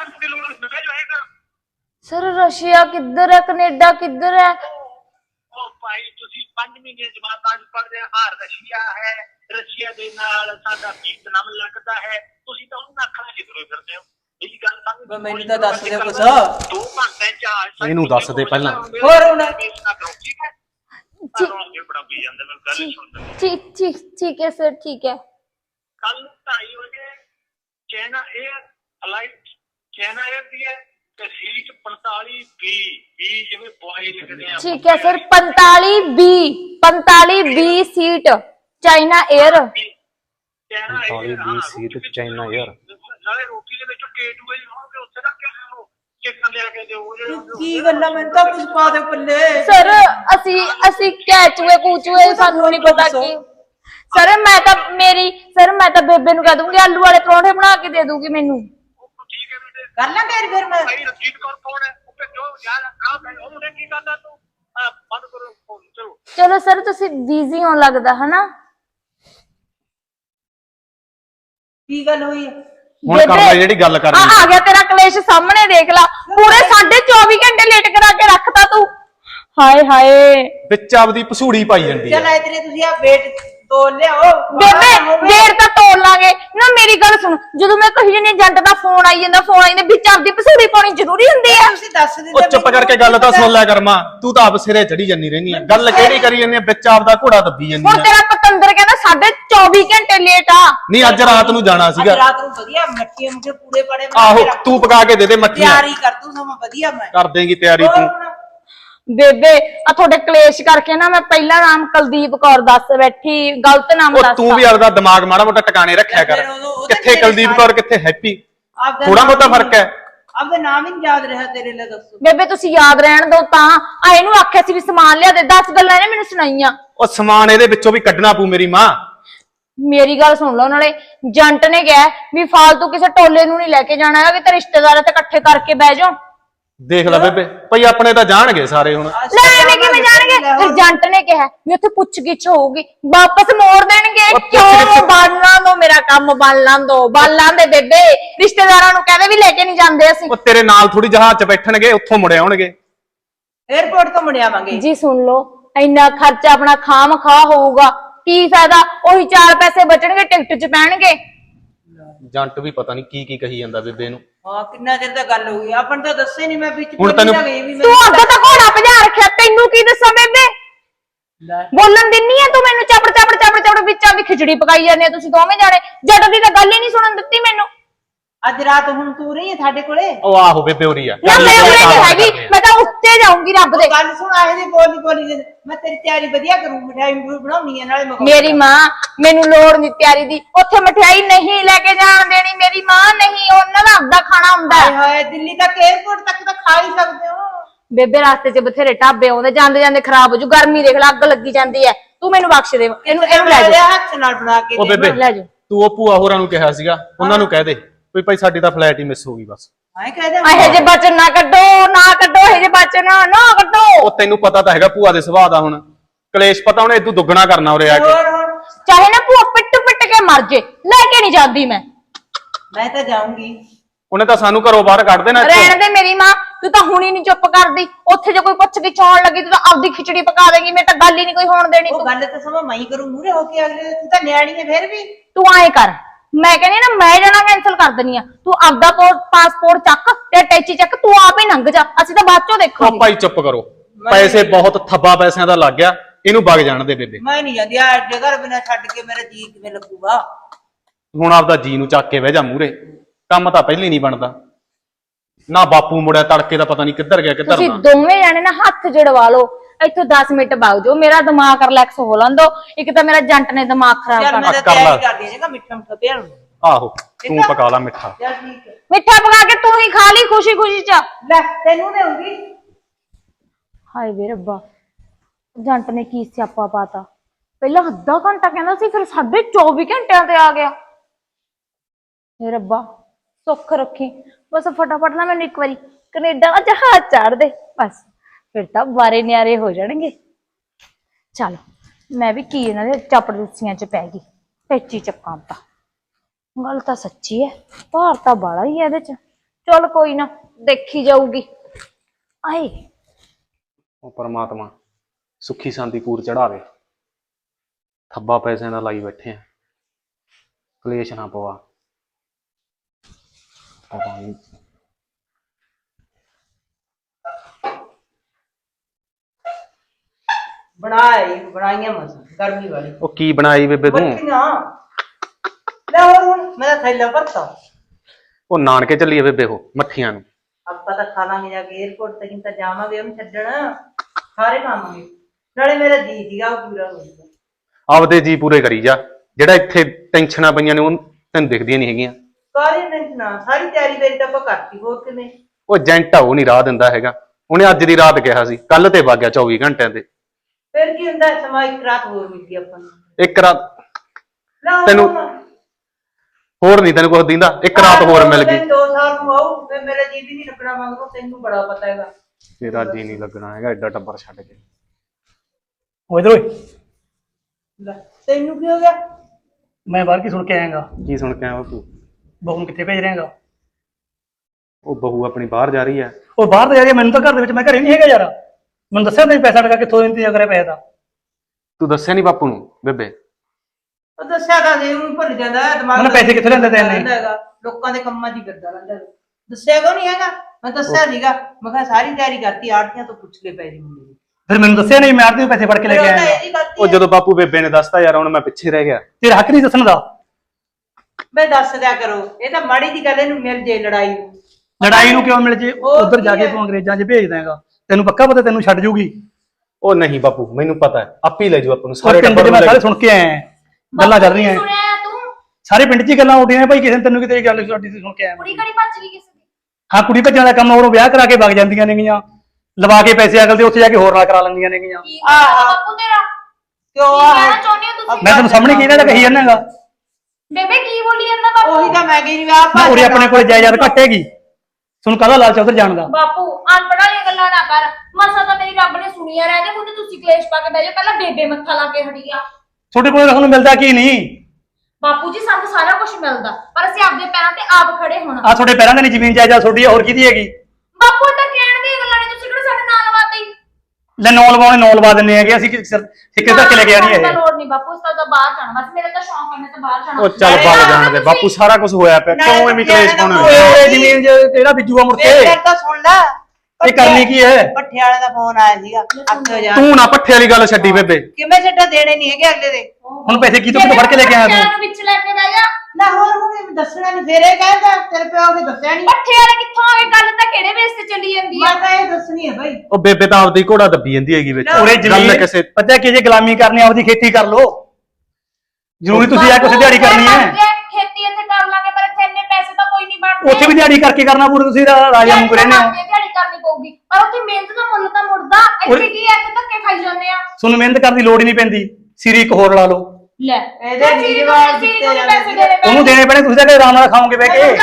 ਜਾਏਗਾ ਸਰ ਰਸ਼ੀਆ ਕਿੱਧਰ ਹੈ, ਕੈਨੇਡਾ ਕਿੱਧਰ ਹੈ? ਉਹ ਭਾਈ ਤੁਸੀਂ ਪੰਜਵੀਂ ਦੀਆਂ ਜਮਾਤਾਂ ਚ ਪੜ੍ਹਦੇ ਆ, ਆਹ ਰਸ਼ੀਆ ਹੈ, ਰਸ਼ੀਆ ਦੇ ਨਾਲ ਸਾਡਾ ਵੀਤਨਾਮ ਲੱਗਦਾ ਹੈ। ਤੁਸੀਂ ਤਾਂ ਉਹਨਾਂ ਅੱਖਾਂ ਚ ਤੁਰੇ ਫਿਰਦੇ ਹੋ। ਇਹ ਗੱਲ ਤਾਂ ਮੈਨੂੰ ਤਾਂ ਦੱਸ ਦਿਓ ਕੁਛ। ਦੋ ਘੰਟੇ ਚ ਇਹਨੂੰ ਦੱਸ ਦੇ ਪਹਿਲਾਂ। ਹੋਰ ਹੁਣ ਠੀਕ ਹੈ? ਬੜਾ ਪੀ ਜਾਂਦਾ, ਮੈਂ ਗੱਲ ਸੁਣਦਾ। ਠੀਕ ਠੀਕ ਠੀਕ ਹੈ ਸਰ, ਠੀਕ ਹੈ। ਕੱਲ ਨੂੰ ਢਾਈ ਵਜੇ China air flight, China air ਦੀ ਹੈ ਤੇ ਸੀਟ ਪੰਤਾਲੀ ਬੀ, ਬੀ ਜਿਵੇਂ ਬॉय ਲਿਖਦੇ ਆ। ਠੀਕ ਹੈ ਸਰ, ਪੰਤਾਲੀ ਬੀ, ਪੰਤਾਲੀ ਬੀ ਸੀਟ ਚਾਈਨਾ ਏਅਰ। ਪੰਤਾਲੀ ਬੀ ਸੀਟ ਚਾਈਨਾ ਏਅਰ। ਨਾਲੇ ਰੋਟੀ ਦੇ ਵਿੱਚੋਂ ਕੇ ਟੂ ਹੋਣਗੇ, ਉੱਥੇ ਦਾ ਕਿਉਂ ਚਿਕਨ ਲਿਆ ਕੇ ਦਿਓ ਜਿਹੜੇ ਕੀ ਗੱਲਾਂ ਮੈਨੂੰ ਤਾਂ ਕੁਝ ਪਾ ਦੇ ਪੱਲੇ ਸਰ ਅਸੀਂ ਅਸੀਂ ਕੈਚੂਏ ਕੂਚੂਏ ਸਾਨੂੰ ਨਹੀਂ ਪਤਾ ਕੀ ਸਰ ਮੈਂ ਤਾਂ ਮੇਰੀ ਸਰ ਮੈਂ ਤਾਂ ਬੇਬੇ ਨੂੰ ਕਹਿ ਦੂੰਗੀ ਆਲੂ ਵਾਲੇ ਪਰੌਂਠੇ ਬਣਾ ਕੇ ਦੇ ਦੂਗੀ ਮੈਨੂੰ ਠੀਕ ਹੈ ਬੇਟੇ ਕਰ ਲਾਂ ਫਿਰ ਫਿਰ ਮੈਂ ਭਾਈ ਰਜੀਤ ਕੌਰ ਕੌਣ ਹੈ ਉਹ ਜੋ ਯਾਰ ਕਾ ਮੈਂ ਉਹਨੇ ਕੀ ਕਰਦਾ ਤੂੰ ਆ, ਬੰਦ ਕਰੋ ਫੋਨ ਚਲੋ ਚਲੋ ਸਰ ਤੁਸੀਂ ਬਿਜ਼ੀ ਹੋਣ ਲੱਗਦਾ ਹਨਾ ਕੀ ਗੱਲ ਹੋਈ ਹੈ ਹੁਣ ਕਰ ਲੈ ਜਿਹੜੀ ਗੱਲ ਆ ਕਰਨੀ ਆ ਗਿਆ ਤੇਰਾ ਕਲੇਸ਼ ਸਾਹਮਣੇ ਦੇਖ ਲਾ ਪੂਰੇ ਸਾਢੇ ਚੌਵੀ ਘੰਟੇ ਲੇਟ ਕਰਾ ਕੇ ਰੱਖਤਾ ਤੂੰ ਹਾਏ ਹਾਏ ਵਿੱਚ ਆਪਦੀ ਪਸੂੜੀ ਪਾਈ ਜਾਂਦੀ ਚੱਲ ਹੈ ਇਤਨੇ ਤੁਸੀਂ ਆ ਵੇਟ ਤੋਲ ਲਿਆਓ ਬੇਬੇ ਦੇਰ ਤਾਂ ਤੋੜ ਲਾਂਗੇ ਨਾ ਮੇਰੀ ਗੱਲ ਸੁਣ ਜਦੋਂ ਮੈਂ ਕਹੀ ਜੰਨੀ ਏਜੰਟ ਦਾ ਫੋਨ ਆਈ ਜਾਂਦਾ ਫੋਨ ਆਈ ਜਾਂਦਾ ਵਿੱਚ ਆਪਦੀ ਪਸੂੜੀ ਪਾਉਣੀ ਜ਼ਰੂਰੀ ਹੁੰਦੀ ਹੈ ਤੁਸੀਂ ਦੱਸ ਦਿੰਦੇ ਉਹ ਚੁੱਪ ਕਰਕੇ ਗੱਲ ਤਾਂ ਸੁਣ ਲਿਆ ਕਰ ਮਾਂ ਤੂੰ ਤਾਂ ਆਪ ਸਿਰੇ ਚੜੀ ਜੰਨੀ ਰਹਿਨੀ ਆ ਗੱਲ ਕਿਹੜੀ ਕਰੀ ਜਾਂਦੀ ਆ ਵਿੱਚ ਆਪਦਾ ਘੋੜਾ ਦੱਬੀ ਜਾਂਦੀ ਹੁਣ ਆ ਤੇਰਾ ਪਤੰਦਰ ਕਹਿੰਦਾ ਸਾਢੇ ਚੌਵੀ ਘੰਟੇ ਲੇਟ ਆ ਨਹੀਂ ਅੱਜ ਰਾਤ ਨੂੰ ਜਾਣਾ ਅੱਜ ਸੀਗਾ ਰਾਤ ਨੂੰ ਵਧੀਆ ਮੱਠੀਆਂ ਮੁੱਠੇ ਪੂਰੇ ਪੜੇ ਬਣਾ ਆਹੋ ਕੇ ਰੱਖ। ਤੂੰ ਪਕਾ ਕੇ ਦੇ ਦੇ ਮੱਠੀਆਂ ਤਿਆਰੀ ਕਰ ਤੂੰ ਸਮਾਂ ਵਧੀਆ ਮੈਂ ਕਰ ਦੇਂਗੀ ਤਿਆਰੀ ਹੋਰ ਤੂੰ ਹੁਣ ਬੇਬੇ ਆ ਤੁਹਾਡੇ ਕਲੇਸ਼ ਕਰਕੇ ਨਾ ਮੈਂ ਪਹਿਲਾ ਨਾਮ ਕੁਲਦੀਪ ਕੌਰ ਦੱਸ ਬੈਠੀ ਗਲਤ ਨਾਮ ਉਹ ਦੱਸ ਤੂੰ ਵੀ ਆਪਦਾ ਦਿਮਾਗ ਮਾੜਾ ਮੋਟਾ ਟਿਕਾਣੇ ਰੱਖਿਆ ਕਰ ਫਿਰ ਉਦੋਂ- ਉਹਦੇ ਕਿੱਥੇ ਤੇਰੇ ਕੁਲਦੀਪ ਕੌਰ ਕਿੱਥੇ ਹੈਪੀ ਆਪਦਾ ਥੋੜਾ ਨਾਮ ਬਹੁਤਾ ਹੀ- ਫਰਕ ਹੈ ਆਪਦਾ ਨਾਮ ਹੀ ਨੀ ਯਾਦ ਰਿਹਾ ਤੇਰੇ ਲਈ ਦੱਸੋ ਬੇਬੇ ਤੁਸੀਂ ਯਾਦ ਰਹਿਣ ਦੋ ਤਾਂ ਆ ਇਹਨੂੰ ਆਖਿਆ ਸੀ ਵੀ ਸਮਾਨ ਲਿਆ ਦੇ ਦਸ ਗੱਲਾਂ ਇਹਨੇ ਮੈਨੂੰ ਸੁਣਾਈਆਂ ਉਹ ਸਮਾਨ ਇਹਦੇ ਵਿੱਚੋਂ ਵੀ ਕੱਢਣਾ ਪਊ ਮੇਰੀ ਮਾਂ ਮੇਰੀ ਗੱਲ ਸੁਣ ਲਓ ਨਾਲੇ ਜੰਟ ਨੇ ਕਿਹਾ ਵੀ ਫਾਲਤੂ ਕਿਸੇ ਟੋਲੇ ਨੂੰ ਨਹੀਂ ਲੈ ਕੇ ਜਾਣਾ ਹੈਗਾ ਕਿ ਤੇ ਰਿਸ਼ਤੇਦਾਰਾਂ ਤੇ ਇਕੱਠੇ ਕਰਕੇ ਬਹਿ ਜਾਓ ਦੇਖ ਲੈ ਬੇਬੇ ਭਈ ਆਪਣੇ ਤਾਂ ਜਾਣਗੇ ਸਾਰੇ ਹੁਣ ਲੈ ਐਵੇਂ ਕਿਵੇਂ ਜਾਣਗੇ ਫਿਰ ਜੰਟ ਨੇ ਕਿਹਾ ਵੀ ਉੱਥੇ ਪੁੱਛ ਗਿੱਛ ਹੋਊਗੀ ਵਾਪਸ ਮੋੜ ਦੇਣਗੇ ਉਹ ਪੁੱਛ ਕਿਉਂ ਗਿੱਛ- ਬਾਲਾਂ ਦੋ ਮੇਰਾ ਕੰਮ ਬਾਲਾਂ ਦੋ ਬਾਲਾਂ ਦੇ ਬੇਬੇ ਰਿਸ਼ਤੇਦਾਰਾਂ ਨੂੰ ਕਹਦੇ ਵੀ ਲੈ ਕੇ ਨਹੀਂ ਜਾਂਦੇ ਅਸੀਂ ਉਹ ਤੇਰੇ ਨਾਲ ਥੋੜੀ ਜਹਾਜ਼ 'ਚ ਬੈਠਣਗੇ ਉੱਥੋਂ ਮੁੜ ਆਉਣਗੇ 에어ਪੋਰਟ ਤੋਂ ਮੁੜਿਆ ਆਵਾਂਗੇ ਜੀ ਸੁਣ ਲਓ ਇੰਨਾ ਖਰਚਾ ਆਪਣਾ ਖਾਮ ਖਾ ਹੋਊਗਾ ਕੀ ਫਾਇਦਾ ਉਹੀ ਚਾਰ ਪੈਸੇ ਬਚਣਗੇ ਟਿਕਟ 'ਚ ਪੈਣਗੇ ਜੰਟ ਵੀ ਪਤਾ ਨਹੀਂ ਕੀ ਕੀ ਕਹੀ ਜਾਂਦਾ ਬੇਬੇ ਨੂੰ ਹਾਂ ਕਿੰਨਾ ਚਿਰ ਦਾ ਗੱਲ ਹੋਈ ਆਪਾਂ ਨੂੰ ਤਾਂ ਦੱਸੇ ਨਹੀਂ ਮੈਂ ਵਿੱਚ ਹੁਣ ਤੈਨੂੰ- ਬੋਲੀ ਨਾ ਗਈ ਵੀ ਤੂੰ ਮੈਨੂੰ ਅੱਗੇ ਤਾਂ ਘੋੜਾ ਭਜਾ ਰੱਖਿਆ ਤੈਨੂੰ ਕੀ ਦੱਸਾਂ ਬੇਬੇ ਲੈ, ਬੋਲਣ ਦਿੰਨੀ ਆ ਤੂੰ ਮੈਨੂੰ ਚਪੜ ਚਪੜ ਚਪੜ ਚਪੜ ਵਿੱਚ ਆਪਦੀ ਖਿਚੜੀ ਪਕਾਈ ਜਾਂਦੇ ਆ ਤੁਸੀਂ ਦੋਵੇਂ ਜਾਣੇ ਜੱਟ ਦੀ ਤਾਂ ਗੱਲ ਹੀ ਨਹੀਂ ਸੁਣਨ ਦਿੱਤੀ ਮੈਨੂੰ ਅੱਜ ਰਾਤ ਹੁਣ ਤੂੰ ਰਹੀ ਹੈ ਸਾਡੇ ਕੋਲੇ ਉਹ ਆਹੋ ਬੇਬੇ ਹੋਰੀ ਆ ਨਾ ਗੱਲ ਮੈਂ ਕੋਈ ਉਰੇ ਨਹੀਂ ਕੰਮ ਹੈਗੀ ਕਰਦੇ ਆ। ਮੈਂ ਤਾਂ ਉੱਤੇ ਜਾਊਂਗੀ ਰੱਬ ਦੇ ਗੱਲ ਸੁਣ ਆਏ ਦੀ ਬੋਲੀ ਬੋਲੀ ਦੇ ਮੈਂ ਤੇਰੀ ਤਿਆਰੀ ਵਧੀਆ ਕਰੂੰ ਮਠਾਈ ਬਣਾਉਣੀ ਹੈ ਨਾਲੇ ਮਖੌਲ ਮੇਰੀ ਮਾਂ ਮੈਨੂੰ ਲੋੜ ਨਹੀਂ ਤਿਆਰੀ ਦੀ ਉੱਥੇ ਮਠਿਆਈ ਨਹੀਂ ਲੈ ਕੇ ਜਾਣ ਦੇਣੀ ਮੇਰੀ ਮਾਂ ਨਹੀਂ ਉਹਨਾਂ ਦਾ ਆਪਦਾ ਖਾਣਾ ਹੁੰਦਾ ਹਾਏ ਹੈ। ਹਾਏ ਦਿੱਲੀ ਤੱਕ 에어ਪੋਰਟ ਤੱਕ ਤਾਂ ਖਾ ਹੀ ਸਕਦੇ ਹੋ ਬੇਬੇ ਰਸਤੇ 'ਚ ਬਥੇਰੇ ਢਾਬੇ ਆਉਂਦੇ ਜਾਂਦੇ ਜਾਂਦੇ ਖਰਾਬ ਹੋ ਜੂ ਗਰਮੀ ਦੇਖ ਲੈ ਅੱਗ ਲੱਗੀ ਜਾਂਦੀ ਹੈ ਤੂੰ ਮੈਨੂੰ ਬਖਸ਼ ਦੇ ਇਹਨੂੰ ਇਹਨੂੰ ਲੈ ਜਾ ਹੱਥ ਨਾਲ ਬਣਾ ਕੇ ਉਹ ਦੇ ਬੇਬੇ ਲੈ ਜਾ ਤੂੰ ਉਹ ਭੂਆ ਹੋਰਾਂ ਨੂੰ ਕਿਹਾ ਸੀਗਾ ਉਹਨਾਂ ਨੂੰ ਕਹਿ ਦੇ ਵੀ ਭਾਈ ਸਾਡੀ ਤਾਂ ਫਲੈਟ ਹੀ ਮਿਸ ਹੋ ਗਈ ਬਸ ਐ ਕਹਿ ਦੇ ਇਹੋ ਜਿਹੇ ਬਚਨ ਨਾ ਕੱਢੋ ਨਾ ਕੱਢੋ ਇਹੋ ਜਿਹੇ ਬਚਨ ਨਾ ਕੱਢੋ ਉਹ ਤੈਨੂੰ ਪਤਾ ਤਾਂ ਹੈਗਾ ਭੂਆ ਦੇ ਸੁਭਾਅ ਦਾ ਹੁਣ ਕਲੇਸ਼ ਪਤਾ ਉਹਨੇ ਇਦੋਂ ਦੁੱਗਣਾ ਕਰਨਾ ਉਰੇ ਆ ਕੇ ਹੋਰ ਹੋਰ ਚਾਹੇ ਨਾ ਭੂਆ ਪਿੱਟ ਪਿੱਟ ਕੇ ਮਰ ਜੇ ਲੈ ਕੇ ਨਹੀਂ ਜਾਂਦੀ ਮੈਂ ਮੈਂ ਤਾਂ ਜਾਊਂਗੀ ਉਹਨੇ ਤਾਂ ਸਾਨੂੰ ਘਰੋਂ ਬਾਹਰ ਕੱਢ ਦੇਣਾ ਇੱਥੋਂ। ਰਹਿਣ ਦੇ ਮੇਰੀ ਮਾਂ ਤੂੰ ਤਾਂ ਹੁਣੀ ਨਹੀਂ ਚੁੱਪ ਕਰਦੀ ਉੱਥੇ ਜੇ ਕੋਈ ਪੁੱਛ ਕੇ ਚੌਣ ਲੱਗੀ ਤੂੰ ਤਾਂ ਆਪਦੀ ਖਿਚੜੀ ਪਕਾ ਦੇਂਗੀ ਮੇਰੇ ਤਾਂ ਗੱਲ ਹੀ ਨਹੀਂ ਕੋਈ ਹੋਣ ਦੇਣੀ ਉਹ ਤੂੰ ਗੱਲ ਤਾਂ ਸਮਾਂ ਮੈਂ ਹੀ ਕਰੂੰ ਮੂਰੇ ਹੋ ਕੇ ਅਗਲੇ ਤੂੰ ਤਾਂ ਨਿਆਣੀ ਹੈ ਫਿਰ ਵੀ ਤੂੰ ਐਂ ਕਰ ਮੈਂ ਕਹਿੰਦੀ ਨਾ ਮੈਂ ਜਾਣਾ ਕੈਨਸਲ ਕਰ ਦਨੀ ਆ ਤੂੰ ਆਪਦਾ ਪਾਸਪੋਰਟ ਚੱਕ ਤੇ ਟੈਚੀ ਚੱਕ ਤੂੰ ਆਪ ਹੀ ਲੰਘ ਜਾ ਅਸੀਂ ਤਾਂ ਬਾਅਦ ਚੋਂ ਉਹ ਦੇਖਾਂਗੇ ਭਾਈ ਚੁੱਪ ਕਰੋ ਪੈਸੇ ਬਹੁਤ ਥੱਬਾ ਪੈਸਿਆਂ ਦਾ ਲੱਗ ਗਿਆ ਇਹਨੂੰ ਵਗ ਜਾਣ ਦੇ ਬੇਬੇ ਮੈਂ ਨਹੀਂ ਜਾਂਦੀ ਆ ਐਡੇ ਘਰ ਬਿਨਾ ਛੱਡ ਕੇ ਮੇਰਾ ਜੀ ਕਿਵੇਂ ਲੱਗੂਗਾ ਹੁਣ ਆਪਦਾ ਜੀ ਨੂੰ ਚੱਕ ਕੇ ਬਹਿ ਜਾ ਮੂਰੇ ਕੰਮ ਤਾਂ ਪਹਿਲੀ ਨਹੀਂ ਬਣਦਾ ਨਾ ਬਾਪੂ ਮੁੜਿਆ ਤੜਕੇ ਦਾ ਪਤਾ ਨਹੀਂ ਕਿੱਧਰ ਗਿਆ ਕਿੱਧਰ ਤੁਸੀਂ ਨਾ ਦੋਵੇਂ ਜਾਣੇ ਨਾ ਹੱਥ ਜੜਵਾ ਲਓ ਇੱਥੋਂ ਦਸ ਮਿੰਟ ਵਗ ਜਾਓ ਮੇਰਾ ਦਿਮਾਗ ਰਿਲੈਕਸ ਹੋ ਲੰਦੋ ਇੱਕ ਤਾਂ ਮੇਰਾ ਜੰਟ ਨੇ ਦਿਮਾਗ ਖਰਾਬ ਯਾਰ ਕਰ ਮੈਂ ਤਾਂ ਕਰ ਲਾ। ਤਿਆਰੀ ਕਰਦੀ ਹਾਂ ਜਗਾ ਮਿੱਠਾ ਮਿੱਠਾ ਪਿਆ ਨੂੰ ਆਹੋ ਤੂੰ ਪਕਾ ਲਾ ਮਿੱਠਾ ਯਾਰ ਠੀਕ ਹੈ ਮਿੱਠਾ ਪਕਾ ਕੇ ਤੂੰ ਹੀ ਖਾ ਲਈ ਖੁਸ਼ੀ ਖੁਸ਼ੀ ਚ ਲੈ ਤੈਨੂੰ ਦੇਉਂਗੀ ਹਾਏ ਵੇ ਰੱਬਾ ਜੰਟ ਨੇ ਕੀ ਸਿਆਪਾ ਪਾਤਾ ਪਹਿਲਾਂ ਅੱਧਾ ਘੰਟਾ ਕਹਿੰਦਾ ਸੀ ਫਿਰ ਸਾਢੇ ਚੌਵੀ ਘੰਟਿਆਂ ਤੇ ਆ ਗਿਆ ਹੇ ਰੱਬਾ ਸੁੱਖ ਰੱਖੀ ਬਸ ਫਟਾਫਟ ਨਾ ਮੈਨੂੰ ਇੱਕ ਵਾਰੀ ਕੈਨੇਡਾ ਦਾ ਜਹਾਜ਼ ਚਾੜ ਦੇ ਬਸ ਫਿਰ ਤਾਂ ਬਾਰੇ ਨਿਆਰੇ ਹੋ ਜਾਣਗੇ ਚਲ ਮੈਂ ਵੀ ਕੀ ਇਹਨਾਂ ਦੇ ਚਾਪੜ ਰੁੱਸੀਆਂ ਚ ਪੈ ਗਈ ਟੈਚੀ ਚੱਕਾਂ ਤਾਂ ਗੱਲ ਤਾਂ ਸੱਚੀ ਹੈ ਭਾਰ ਤਾਂ ਬਾਲਾ ਹੀ ਹੈ ਇਹਦੇ ਚ ਚਲ ਕੋਈ ਨਾ ਦੇਖੀ ਜਾਊਗੀ ਆਏ ਉਹ ਪਰਮਾਤਮਾ ਸੁੱਖੀ ਸ਼ਾਂਤੀ ਪੂਰ ਚੜਾਵੇ ਥੱਬਾ ਪੈਸਿਆਂ ਦਾ ਲਾਈ ਬੈਠੇ ਆ ਕਲੇਸ਼ ਨਾ ਪਵਾ ਪਤਾ ਨਹੀਂ ਬਣਾਈ ਬਣਾਈਆਂ ਮਸ ਗਰਮੀ ਵਾਲੀ ਉਹ ਕੀ ਬਣਾਈ ਬੇਬੇ ਤੂੰ ਬੱਤੀਆਂ ਲੈ ਹੋਰ ਹੁਣ ਮੇਰਾ ਥੈਲਾ ਭਰਤਾ ਉਹ ਨਾਨਕੇ ਚੱਲੀਏ ਬੇਬੇ ਉਹ ਮੱਠੀਆਂ ਨੂੰ ਆਪਾਂ ਤਾਂ ਖਾ ਲਾਂਗੇ ਜਾ ਕੇ 에어ਪੋਰਟ ਤੱਕ ਤਾਂ ਜਾਵਾਂਗੇ ਉਹਨੂੰ ਛੱਡਣ ਸਾਰੇ ਖਾਵਾਂਗੇ ਨਾਲੇ ਮੇਰਾ ਜੀ ਸੀਗਾ ਉਹ ਪੂਰਾ ਹੋ ਜਾਊਗਾ ਆਪਦੇ ਜੀ ਪੂਰੇ ਕਰੀ ਜਾ ਜਿਹੜਾ ਇੱਥੇ ਟੈਨਸ਼ਨਾਂ ਪਈਆਂ ਨੇ ਉਹ ਤੈਨੂੰ ਦਿਖਦੀਆਂ ਨਹੀਂ ਹੈਗੀਆਂ ਸਾਰੀ ਟੈਨਸ਼ਨ ਸਾਰੀ ਤਿਆਰੀ ਮੇਰੀ ਤਾਂ ਆਪਾਂ ਕਰਤੀ ਹੋਰ ਕਿਵੇਂ ਉਹ ਏਜੰਟ ਆ, ਉਹ ਨਹੀਂ ਰਾਹ ਦਿੰਦਾ ਹੈਗਾ। ਉਹਨੇ ਅੱਜ ਦੀ ਰਾਤ ਕਿਹਾ ਸੀ, ਕੱਲ ਤੇ ਵਗ ਗਿਆ ਚੌਵੀ ਘੰਟਿਆਂ ਤੇ। ਫਿਰ ਕੀ ਹੁੰਦਾ, ਸਮਾਂ ਇੱਕ ਰਾਤ ਹੋਰ ਮਿਲ ਗਈ ਆਪਾਂ ਨੂੰ। ਇੱਕ ਰਾਤ ਨਾ ਤੈਨੂੰ ਹੋਰ ਨਹੀਂ ਤੈਨੂੰ ਕੁਝ ਦਿੰਦਾ, ਇੱਕ ਰਾਤ ਹੋਰ ਮਿਲ ਗਈ। ਦੋ ਸਾਲ ਨੂੰ ਆਊ ਫਿਰ ਮੇਰਾ ਜੀ ਵੀ ਨਹੀਂ ਲੱਗਣਾ ਮੰਗੋ, ਤੈਨੂੰ ਬੜਾ ਪਤਾ ਹੈਗਾ। ਤੇਰਾ ਜੀ ਨਹੀਂ ਲੱਗਣਾ ਹੈਗਾ ਐਡਾ ਟੱਬਰ ਛੱਡ ਕੇ। ਉਹ ਇਧਰ ਓਏ, ਲੈ, ਤੈਨੂੰ ਕੀ ਹੋ ਗਿਆ? ਮੈਂ ਬਾਹਰ ਕੀ ਸੁਣ ਕੇ ਆਇਆਗਾ? ਕੀ ਸੁਣ ਕੇ ਆਇਆ ਬਾਪੂ? ਬਹੂ ਨੂੰ ਕਿੱਥੇ ਭੇਜ ਰਿਹਾਗਾ? ਉਹ ਬਹੂ ਆਪਣੀ ਬਾਹਰ ਜਾ ਰਹੀ ਹੈ। ਉਹ ਬਾਹਰ ਤਾਂ ਜਾ ਰਹੀ ਹੈ, ਮੈਨੂੰ ਤਾਂ ਘਰ ਦੇ ਵਿੱਚ, ਮੈਂ ਘਰੇ ਨਹੀਂ ਹੈਗਾ ਯਾਰ। ਮੈਨੂੰ ਦੱਸਿਆ ਨਹੀਂ ਪੈਸਾ ਟਕਾ ਕਿੱਥੋਂ ਇੰਤਜ਼ਾਮ ਕਰਿਆ ਪੈਸੇ ਦਾ। ਤੂੰ ਦੱਸਿਆ ਨਹੀਂ ਬਾਪੂ ਨੂੰ ਬੇਬੇ? ਉਹ ਦੱਸਿਆ ਤਾਂ ਜੇ ਉਹਨੂੰ ਭੁੱਲ ਜਾਂਦਾ ਹੈ, ਦਿਮਾਗ ਉਹਨੇ ਪੈਸੇ ਕਿੱਥੋਂ ਲਿਆਂਦੇ ਤੇ ਇੰਨੇ? ਰਹਿੰਦਾ ਹੈਗਾ, ਲੋਕਾਂ ਦੇ ਕੰਮਾਂ 'ਚ ਹੀ ਫਿਰਦਾ ਰਹਿੰਦਾ ਹੈਗਾ। ਦੱਸਿਆ ਕਿਉਂ ਨਹੀਂ ਹੈਗਾ? ਮੈਂ ਦੱਸਿਆ ਸੀਗਾ, ਮੈਂ ਕਿਹਾ ਸਾਰੀ ਤਿਆਰੀ ਕਰਤੀ, ਆੜਤੀਆਂ ਤੋਂ ਪੁੱਛ ਕੇ ਪੈਸੇ ਮੁੰਡੇ ਦੀ। ਫਿਰ ਮੈਨੂੰ ਦੱਸਿਆ ਨਹੀਂ, ਮੈਂ ਆੜਤੀ ਪੈਸੇ ਫੜ ਕੇ ਲੈ ਕੇ ਆਇਆ। ਉਹ ਜਦੋਂ ਬਾਪੂ ਬੇਬੇ ਨੇ ਦੱਸਤਾ ਯਾਰ, ਹੁਣ ਮੈਂ ਪਿੱਛੇ ਰਹਿ ਗਿਆ। ਤੇਰਾ ਹੱਕ ਨਹੀਂ ਦੱਸਣ ਦਾ। ਮੈਂ ਦੱਸ ਦਿਆ ਕਰੋ, ਇਹ ਤਾਂ ਮਾੜੀ ਦੀ ਗੱਲ, ਇਹਨੂੰ ਮਿਲ ਜੇ ਲੜਾਈ ਨੂੰ। ਲੜਾਈ ਨੂੰ ਕਿਉਂ ਮਿਲ ਜੇ? ਹੋਰ ਉਧਰ ਜਾ ਕੀ ਕੇ ਹੈ? ਤੂੰ ਅੰਗਰੇਜ਼ਾਂ 'ਚ ਭੇਜ ਦੇਂਗਾ, ਤੈਨੂੰ ਪੱਕਾ ਪਤਾ ਤੈਨੂੰ ਛੱਡ ਜੂਗੀ। ਉਹ ਨਹੀਂ ਬਾਪੂ, ਮੈਨੂੰ ਪਤਾ ਹੈ, ਆਪੇ ਹੀ ਲੈ ਜਾਊ ਆਪਾਂ ਨੂੰ। ਸਾਰੇ ਸਾਰੇ ਪਿੰਡ 'ਚ ਮੈਂ ਸਾਰੇ ਸੁਣ ਕੇ ਆਇਆ, ਗੱਲਾਂ ਚੱਲ ਰਹੀਆਂ ਸੁਣਿਆ ਤੂੰ? ਸਾਰੇ ਪਿੰਡ 'ਚ ਹੀ ਗੱਲਾਂ ਉੱਡੀਆਂ ਭਾਈ, ਕਿਸੇ ਨੇ ਤੈਨੂੰ ਕਿਤੇ ਗੱਲ ਸਾਡੀ ਸੁਣ ਕੇ ਆਇਆ। ਕੁੜੀ ਕੜੀ ਭੱਜ ਗਈ ਕਿਸੇ ਦੀ? ਹਾਂ, ਕੁੜੀ ਭੱਜਣ ਦਾ ਕੰਮ, ਉਹਨੂੰ ਵਿਆਹ ਕਰਾ ਕੇ ਵਗ ਜਾਂਦੀਆਂ ਨੇਗੀਆਂ, ਲਵਾ ਕੇ ਪੈਸੇ ਅਗਲ ਦੇ ਉੱਥੇ ਜਾ ਕੇ ਹੋਰ ਨਾਲ ਕਰਾ ਲੈਂਦੀਆਂ ਨੇਗੀਆਂ। ਕੀ ਹੋਇਆ ਬਾਪੂ ਤੇਰਾ? ਕਿਉਂ ਕੀ ਆ? ਕਹਿਣਾ ਚਾਹੁੰਦੇ ਹੋ ਤੁਸੀਂ? ਮੈਂ ਤੈਨੂੰ ਸਾਹਮਣੇ ਕਿਹਨਾਂ ਦਾ ਕਹੀ ਜਾਂਦਾਗਾ? ਬੇਬੇ ਕੀ ਬੋਲੀ ਜਾਂਦਾ ਬਾਪੂ? ਉਹੀ ਤਾਂ ਮੈਂ ਕਹਿੰਦੀ ਵਿਆਹ ਮੈਂ ਉਰੇ ਆਪਣੇ ਕੋਲ ਜਾਇਦਾਦ ਘੱਟ ਹੈਗੀ, ਤੁਹਾਨੂੰ ਕਾਹਦਾ ਲਾਲਚ ਉਧਰ ਜਾਣ ਦਾ? ਬਾਪੂ ਅਨਪੜ੍ਹ ਵਾਲੀਆਂ ਗੱਲਾਂ ਨਾ ਕਰ, ਮਸਾ ਤਾਂ ਮੇਰੀ ਰੱਬ ਨੇ ਸੁਣੀਆਂ ਰਹਿ ਗਏ, ਹੁਣ ਤੁਸੀਂ ਕਲੇਸ਼ ਪਾ ਕੇ ਬਹਿ ਜਾਓ। ਪਹਿਲਾਂ ਬੇਬੇ ਮੱਥਾ ਲਾ ਕੇ ਹਟੀ ਆ। ਤੁਹਾਡੇ ਕੋਲ ਤੁਹਾਨੂੰ ਮਿਲਦਾ ਕੀ ਨਹੀਂ? ਬਾਪੂ ਜੀ ਸਾਨੂੰ ਸਾਰਾ ਕੁਝ ਮਿਲਦਾ, ਪਰ ਅਸੀਂ ਆਪਦੇ ਪੈਰਾਂ ਤੇ ਆਪ ਖੜੇ ਹੋਣਾ। ਆ ਤੁਹਾਡੇ ਪੈਰਾਂ ਦੇ ਨਹੀਂ ਜ਼ਮੀਨ ਜਾਇਦਾਦ ਤੁਹਾਡੀ, ਹੋਰ ਕਿਹਦੀ ਹੈਗੀ? ਬਾਪੂ ਤਾਂ ਕਹਿਣ ਦੀਆਂ ਗੱਲਾਂ ਨੇ, ਤੁਸੀਂ ਕਿਹੜਾ ਸਾਡੇ ਨਾਲ ਲਵਾਤੇ? ਲੈ ਨੌ ਲਵਾਉਣੇ ਨੌ ਲਵਾ ਦਿੰਦੇ ਹੈਗੇ ਅਸੀਂ, ਸਿੱਕੇ ਧੱਕੇ ਲੈ ਕੇ ਆਣੀ ਸਾਨੂੰ ਤਾਂ ਇਹ। ਲੋੜ ਨਹੀਂ ਬਾਪੂ, ਇਸ ਤਾਂ ਬਾਹਰ ਜਾਣਾ ਬਸ। ਮੇਰਾ ਤਾਂ ਸ਼ੌਂਕ ਹੈ, ਮੈਂ ਤਾਂ ਬਾਹਰ ਜਾਣਾ। ਉਹ ਚੱਲ ਵਗ ਜਾਣ ਦੇ ਬਾਪੂ, ਸਾਰਾ ਕੁਝ ਹੋਇਆ ਪਿਆ, ਕਿਉਂ ਐਵੇਂ ਕਲੇਸ਼ ਪਾਉਣਾ? ਓਏ ਓਏ ਜ਼ਮੀਨ ਚ ਕਿਹੜਾ ਬਿੱਜੂਆ ਮੁੜ ਕੇ? ਮੇਰੀ ਤਾਂ ਸੁਣ ਲੈ, ਇਹ ਕਰਨੀ ਕੀ ਹੈ? ਪੱਠੇ ਵਾਲੇ ਦਾ ਫੋਨ ਆਇਆ ਸੀਗਾ, ਅੱਠ ਹਜ਼ਾਰ। ਤੂੰ ਨਾ ਪੱਠੇ ਵਾਲੀ ਗੱਲ ਛੱਡੀ ਬੇਬੇ। ਕਿਵੇਂ ਛੱਡਾ, ਦੇਣੇ ਨਹੀਂ ਹੈਗੇ ਅਗਲੇ ਦੇ। ਹੁਣ ਪੈਸੇ ਕੀ ਤੋਂ ਫੜ ਕੇ ਲੈ ਕੇ ਆਇਆ ਬੱਚਿਆਂ ਤੂੰ? ਨੂੰ ਵਿੱਚ ਲੈ ਕੇ ਬਹਿ ਜਾ। ਨਾ ਹੋਰ ਹੁਣ ਦੱਸਣਾ ਨਹੀਂ, ਫੇਰ ਇਹ ਕਹਿੰਦਾ ਤੇਰੇ ਪਿਓ ਨੇ ਦੱਸਿਆ ਨਹੀਂ। ਪੱਠੇ ਵਾਲੇ ਕਿੱਥੋਂ ਆ ਗਏ? ਗੱਲ ਤਾਂ ਕਿਹੜੇ ਬੇਸ ਤੇ ਚੱਲੀ ਜਾਂਦੀ ਮੈਂ ਆ? ਤਾਂ ਇਹ ਦੱਸਣੀ ਹੈ ਬਾਈ। ਉਹ ਬੇਬੇ ਤਾਂ ਆਪਦੀ ਘੋੜਾ ਦੱਬੀ ਜਾਂਦੀ ਹੈਗੀ ਵਿੱਚ। ਉਰੇ ਗੱਲ ਜ਼ਮੀਨ ਕਿਸੇ ਪਤਾ ਕਿ ਜੇ ਗੁਲਾਮੀ ਕਰਨੀ ਆਪਦੀ ਖੇਤੀ ਕਰ ਲੋ। ਜ਼ਰੂਰੀ ਤੁਸੀਂ ਆ ਕੁਛ ਦਿਹਾੜੀ ਕਰਨੀ ਹੈ? ਖੇਤੀ ਇੱਥੇ ਕਰ ਲਾਂਗੇ, ਪਰ ਇੱਥੇ ਇੰਨੇ ਪੈਸੇ ਤਾਂ ਕੋਈ ਨਹੀਂ ਬਣਦੇ। ਉੱਥੇ ਵੀ ਦਿਹਾੜੀ ਕਰਕੇ ਕਰਨਾ ਪੂਰਾ, ਤੁਸੀਂ ਰਾਜਾ ਨੂੰ ਰਹਿੰਦੇ ਹੋ। ਦਿਹਾੜੀ ਕਰਨੀ ਪਊਗੀ, ਪਰ ਉੱਥੇ ਮਿਹਨਤ ਦਾ ਮੁੱਲ ਤਾਂ ਮੁੜਦਾ। ਇੱਥੇ ਕੀ ਹੈ, ਇੱਥੇ ਧੱਕੇ ਖਾਈ ਜਾਂਦੇ ਆ। ਤੁਹਾਨੂੰ ਮਿਹਨਤ ਕਰਨ ਦੀ ਲੋੜ ਹੀ ਨਹੀਂ ਪੈਂਦੀ, ਸਿਰੀ ਇੱਕ ਹੋਰ ਲਾ ਲਓ। ਲੈ ਇਹਦੇ ਵੀਰਵਾਰ ਦਿੱਤੇ ਜਾਂਦੇ ਪੈਸੇ ਦੇਣੇ ਉਹਨੂੰ ਦੇਣੇ ਪੈਣੇ, ਤੁਸੀਂ ਤਾਂ ਕਿ ਆਰਾਮ ਨਾਲ ਖਾਓਗੇ ਬਹਿ ਕੇ।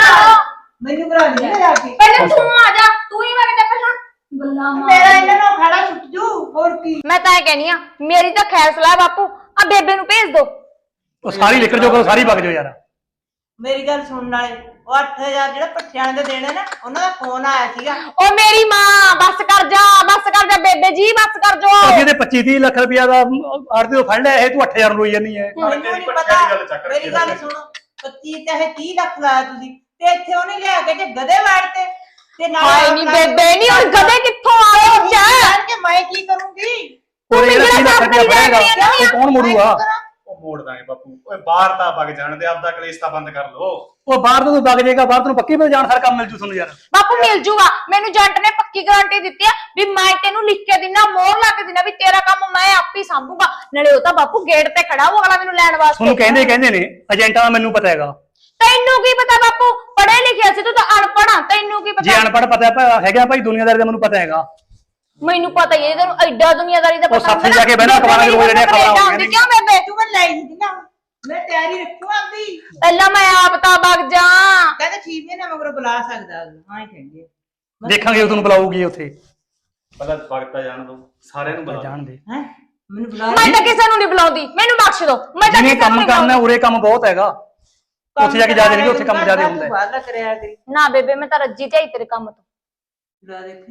ਮੈਨੂੰ ਕਰਾ ਨਹੀਂ ਜਾ ਕੇ। ਪਹਿਲੇ ਤੂੰ ਆ ਜਾ, ਤੂੰ ਹੀ ਵਗ ਜਾ ਪਹਿਲਾਂ ਗੱਲਾਂ ਮਾਰ। ਮੇਰਾ ਇਹਨਾਂ ਨਾਲ ਖੜਾ ਛੁੱਟ ਜੂ, ਹੋਰ ਕੀ। ਮੈਂ ਤਾਂ ਇਹ ਕਹਿਨੀ ਆ, ਮੇਰੀ ਤਾਂ ਖੈਰ ਸਲਾਹ ਬਾਪੂ, ਆ ਬੇਬੇ ਨੂੰ ਭੇਜ ਦੋ। ਉਹ ਸਾਰੀ ਨਿਕਲ ਜਾਓ, ਸਾਰੀ ਵਗ ਜਾਓ ਯਾਰ। ਮੇਰੀ ਗੱਲ ਸੁਣਨ ਵਾਲੇ, ਉਹ ਅੱਠ ਹਜ਼ਾਰ ਜਿਹੜਾ ਪੱਠਿਆਂ ਦੇ ਦੇਣੇ ਨਾ, ਉਹਨਾਂ ਦਾ ਫੋਨ ਆਇਆ ਸੀਗਾ। ਓ ਮੇਰੀ ਮਾਂ, ਬੱਸ ਕਰ ਜਾ, ਬੱਸ ਕਰ ਜਾ ਬੇਬੇ ਜੀ, ਬੱਸ ਕਰ ਜਾ। ਅੱਗੇ ਤੇ ਪੱਚੀ ਤੀਹ ਲੱਖ ਰੁਪਇਆ ਦਾ ਆੜਤੀ ਤੋਂ ਫੜ ਲਿਆ, ਇਹ ਤੂੰ ਅੱਠ ਹਜ਼ਾਰ ਰੋਈ ਜਾਨੀ ਹੈ। ਮੈਨੂੰ ਨਹੀਂ ਪਤਾ, ਮੇਰੀ ਗੱਲ ਸੁਣੋ, ਪੱਚੀ ਚਾਹੇ ਤੀਹ ਲੱਖ ਲਾਇਆ ਤੁਸੀਂ, ਤੇ ਇੱਥੇ ਉਹਨੇ ਲਿਆ ਕੇ ਜੇ ਗਧੇ ਵਾੜਤੇ ਤੇ ਨਾਲ ਹਾਏ ਨੀ ਬੇਬੇ, ਨੀ ਹੁਣ ਗਧੇ ਕਿੱਥੋਂ ਆਏ ਹੋ ਜਾ? ਜਾਣ ਕੇ ਮੈਂ ਕੀ ਕਰੂੰਗੀ? ਉਹ ਜਿਹੜਾ ਤੀਹ ਲੱਖ ਰੁਪਇਆ ਫੜੇਗਾ ਉਹ ਕੌਣ ਮੋੜੂਗਾ? ਉਹ ਮੋੜ ਦਾਂਗੇ ਬਾਪੂ। ਓਏ ਬਾਹਰ ਤਾਂ ਵਗ ਜਾਣ ਦੇ, ਆਪਦਾ ਕਲੇਸ਼ ਤਾਂ ਬੰਦ ਕਰ ਲੋ। ਉਹ ਬਾਹਰ ਤੋਂ ਤੂੰ ਵਗ ਜਾਏਗਾ, ਬਾਹਰ ਤੈਨੂੰ ਪੱਕੀ ਪੇ ਜਾਣ ਹਰ ਕੰਮ ਮਿਲ ਜੂ ਤੁਹਾਨੂੰ ਯਾਰ। ਬਾਪੂ ਮਿਲ ਜੂਗਾ, ਮੈਨੂੰ ਜੰਟ ਨੇ ਪੱਕੀ ਗਾਰੰਟੀ ਦਿੱਤੀ ਆ ਵੀ ਮੈਂ ਤੈਨੂੰ ਲਿਖ ਕੇ ਦਿਨਾ, ਮੋਹਰ ਲਾ ਕੇ ਦਿਨਾ ਵੀ ਤੇਰਾ ਕੰਮ ਮੈਂ ਆਪੇ ਸੰਭੂਗਾ। ਨਾਲੇ ਉਹ ਤਾਂ ਬਾਪੂ ਗੇਟ ਤੇ ਖੜਾ, ਉਹ ਅਗਲਾ ਮੈਨੂੰ ਲੈਣ ਵਾਸਤੇ। ਤੁਹਾਨੂੰ ਕਹਿੰਦੇ ਕਹਿੰਦੇ ਨੇ ਏਜੰਟਾਂ ਦਾ, ਮੈਨੂੰ ਪਤਾ ਹੈਗਾ। ਤੈਨੂੰ ਕੀ ਪਤਾ ਬਾਪੂ, ਪੜ੍ਹੇ ਲਿਖਿਆ ਸੀ, ਤੂੰ ਤਾਂ ਅਨਪੜ੍ਹ ਆ, ਤੈਨੂੰ ਕੀ ਜੇ ਪਤਾ? ਅਨਪੜ੍ਹ ਪਤਾ ਪਾ- ਹੈਗਾ ਭਾਈ, ਦੁਨੀਆਦਾਰੀ ਦਾ ਮੈਨੂੰ ਪਤਾ ਹੈਗਾ। ਮੈਨੂੰ ਪਤਾ ਹੀ ਹੈ, ਤੈਨੂੰ ਐਡਾ ਦੁਨੀਆਦਾਰੀ ਦਾ ਉਹ ਪਤਾ ਸਾਥੀ ਜਾ ਕੇ ਬਹਿਣਾ, ਅਖਬਾਰਾਂ ਚ ਰੋਜ਼ ਜਿਹੜੀਆਂ ਖਬਰਾਂ ਆਉਂਦੀਆਂ ਨੇ। ਕਿਉਂ ਬੇਬੇ? ਤੂੰ ਮੈਂ ਲਈ ਸੀ ਨਾ, ਮੈਂ ਤਿਆਰੀ ਰੱਖੂ ਆਪਦੀ। ਪਹਿਲਾਂ ਮੈਂ ਆਪ ਤਾਂ ਵਗ ਜਾ। ਕਹਿੰਦਾ ਛੇ ਮਹੀਨੇ ਮਗਰੋਂ ਬੁਲਾ ਸਕਦਾ, ਹਾਂ ਹੀ ਕਹਿੰਦੇ। ਦੇਖਾਂਗੇ ਉਹ ਤੁਹਾਨੂੰ ਬੁਲਾਊਗੀ ਉੱਥੇ। ਪਹਿਲਾਂ ਵਗਤਾ ਜਾਣ ਦੋ, ਸਾਰਿਆਂ ਨੂੰ ਬੁਲਾ ਜਾਣ ਦੇ। ਹੈ ਮੈਨੂੰ ਬੁਲਾ ਮੈਂ ਤਾਂ ਕਿਸੇ ਨੂੰ ਨਹੀਂ ਬੁਲਾਉਂਦੀ, ਮੈਨੂੰ ਬਖਸ਼ ਦੋ। ਮੈਂ ਤਾਂ ਜਿਹਨੇ ਕਿਸੇ ਨੂੰ ਕੰਮ ਨੀ ਕਰਨਾ ਬੁਲਾਉਂਦੀ। ਉਰੇ ਕੰਮ ਬਹੁਤ ਹੈਗਾ, ਉੱਥੇ ਜਾ ਕੇ ਜ਼ਿਆਦਾ ਨਹੀਂ, ਉੱਥੇ ਕੰਮ ਜ਼ਿਆਦਾ ਹੁੰਦਾ ਹੈ। ਬਾਹਰ ਕਰਿਆ ਕਰੀ ਨਾ ਬੇਬੇ, ਮੈਂ ਤਾਂ ਰੱਜੀ ਝਾਈ ਤੇਰੇ ਕੰਮ ਤੋਂ। ਬੁਲਾ ਦੇਖੀ,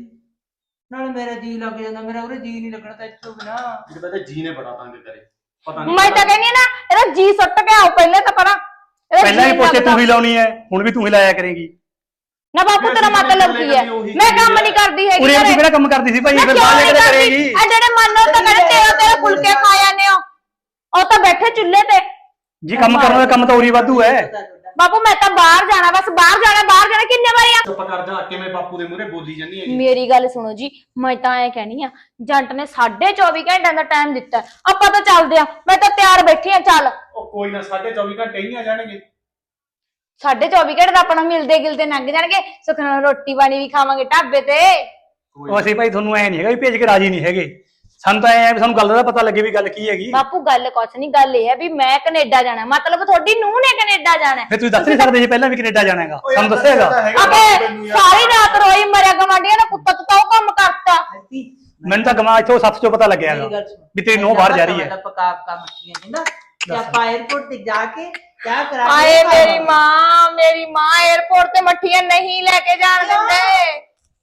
ਨਾਲ ਮੇਰਾ ਜੀ ਲੱਗ ਜਾਂਦਾ, ਮੇਰਾ ਉਰੇ ਜੀ ਨਹੀਂ ਲੱਗਣਾ ਤਾਂ ਇੱਥੋਂ ਬਿਨਾ। ਇਹਦਾ ਤਾਂ ਜੀ ਨੇ ਬੜਾ ਤੰਗ ਕਰੇ, ਪਤਾ ਮੈਂ ਤਾਂ ਕਹਿੰਦੀ ਆ ਨਾ, ਇਹਦਾ ਜੀ ਸੁੱਟ ਕੇ ਆਓ ਪਹਿਲੇ ਤਾਂ ਪਰਾਂ। ਇਹਦਾ ਪਹਿਲਾਂ ਜੀਅ ਹੀ ਪੁੱਛੇ ਲੱਗਦਾ। ਤੂੰ ਹੀ ਲਾਉਣੀ ਹੈ, ਹੁਣ ਵੀ ਤੂੰ ਹੀ ਲਾਇਆ ਕਰੇਗੀ। ਨਾ ਬਾਪੂ ਤੇਰਾ ਮਤਲਬ ਕੀ ਹੈ? ਮੈਂ ਕੰਮ ਨਹੀਂ ਕਰਦੀ ਹੈਗੀ। ਉਰੇ ਘਰੇ। ਤੂੰ ਕਿਹੜਾ ਕੰਮ ਕਰਦੀ ਸੀ ਭਾਈ, ਮੈਂ ਫਿਰ ਕਿਉਂ ਬਾਹਰ ਨਹੀਂ ਜਾ ਕੇ ਕਰਦੀ? ਕਰੇਗੀ। ਆ ਜਿਹੜੇ ਮੰਨੋ ਤਾਂ ਕਹਿੰਦੇ ਤੇਰਾ ਤੇਰਾ ਫੁਲਕੇ ਖਾ ਜਾਂਦੇ ਹੋ, ਉਹ ਤਾਂ ਬੈਠੇ ਚੁੱਲ੍ਹੇ ਤੇ। ਜੀ ਕੰਮ ਕਰਨ ਦਾ ਕੰਮ ਤਾਂ ਉਰੀ ਵਾਧੂ ਹੈ। ਬਾਪੂ ਮੈਂ ਤਾਂ ਬਾਹਰ ਜਾਣਾ, ਬਸ ਬਾਹਰ ਜਾਣਾ, ਬਾਹਰ ਜਾਣਾ। ਕਿੰਨੇ ਵਾਰੀ ਆ? ਚੁੱਪ ਕਰ ਜਾ, ਕਿਵੇਂ ਬਾਪੂ ਦੇ ਮੂਹਰੇ ਬੋਲੀ ਜਾਂਦੀ ਹੈ? ਮੇਰੀ ਗੱਲ ਸੁਣੋ ਜੀ, ਮੈਂ ਤਾਂ ਐ ਕਹਿਣੀ ਆ, ਜੰਟ ਨੇ ਸਾਢੇ ਚੌਵੀ ਘੰਟਿਆਂ ਦਾ ਟਾਈਮ ਦਿੱਤਾ, ਆਪਾਂ ਤਾਂ ਚੱਲਦੇ ਆ। ਮੈਂ ਤਾਂ ਤਿਆਰ ਬੈਠੀ ਆ, ਚੱਲ। ਉਹ ਕੋਈ ਨਾ, ਸਾਢੇ ਚੌਵੀ ਘੰਟੇ ਹੀ ਆ ਜਾਣਗੇ। ਸਾਢੇ ਚੌਵੀ ਘੰਟੇ ਤਾਂ ਆਪਣਾ ਮਿਲਦੇ ਗਿਲਦੇ ਲੰਘ ਜਾਣਗੇ, ਸੁੱਖ ਨਾਲ ਰੋਟੀ ਪਾਣੀ ਵੀ ਖਾਵਾਂਗੇ ਢਾਬੇ ਤੇ। ਉਹ ਅਸੀਂ ਭਾਈ ਤੁਹਾਨੂੰ ਐ ਨਹੀਂ ਹੈਗਾ ਵੀ ਭੇਜ ਕੇ ਰਾਜੀ ਨਹੀਂ ਹੈਗੇ, ਸਾਨੂੰ ਤਾਂ ਐ ਵੀ ਸਾਨੂੰ ਗੱਲ ਦਾ ਪਤਾ ਲੱਗੇ ਵੀ ਗੱਲ ਕੀ ਹੈਗੀ। ਬਾਪੂ ਗੱਲ ਕੁਛ ਨਹੀਂ, ਗੱਲ ਇਹ ਹੈ ਵੀ ਮੈਂ ਕੈਨੇਡਾ ਜਾਣਾ, ਮਤਲਬ ਤੁਹਾਡੀ ਨੂੰਹ ਨੇ ਕੈਨੇਡਾ ਜਾਣਾ। ਫਿਰ ਤੁਸੀਂ ਦੱਸ ਨਹੀਂ ਸਕਦੇ ਸੀ ਪਹਿਲਾਂ ਵੀ ਕੈਨੇਡਾ ਜਾਣਾ ਹੈਗਾ, ਸਾਨੂੰ ਦੱਸੇਗਾ। ਅਬੇ ਸਾਰੀ ਰਾਤ ਰੋਈ ਮਰਿਆ ਗਵਾਂਢੀਆਂ ਦਾ ਕੁੱਤਾ ਤਾਂ ਉਹ ਕੰਮ ਕਰਤਾ। ਮੈਨੂੰ ਤਾਂ ਗਮਾ ਇੱਥੋਂ ਸੱਤ ਚੋਂ ਪਤਾ ਲੱਗਿਆ ਹੈਗਾ ਵੀ ਤੇਰੀ ਨੂੰਹ ਬਾਹਰ ਜਾ ਰਹੀ ਹੈ। ਪਕਾ ਪਕਾ ਮੱਛੀਆਂ ਕਹਿੰਦਾ ਤੇ ਆਪਾਂ 에어ਪੋਰਟ ਤੇ ਜਾ ਕੇ ਕਿਆ ਕਰਾਂਗੇ। ਆਏ ਮੇਰੀ ਮਾਂ, ਮੇਰੀ ਮਾਂ 에어ਪੋਰਟ ਤੇ ਮੱਠੀਆਂ ਨਹੀਂ ਲੈ ਕੇ ਜਾਣ ਦਿੰਦੇ।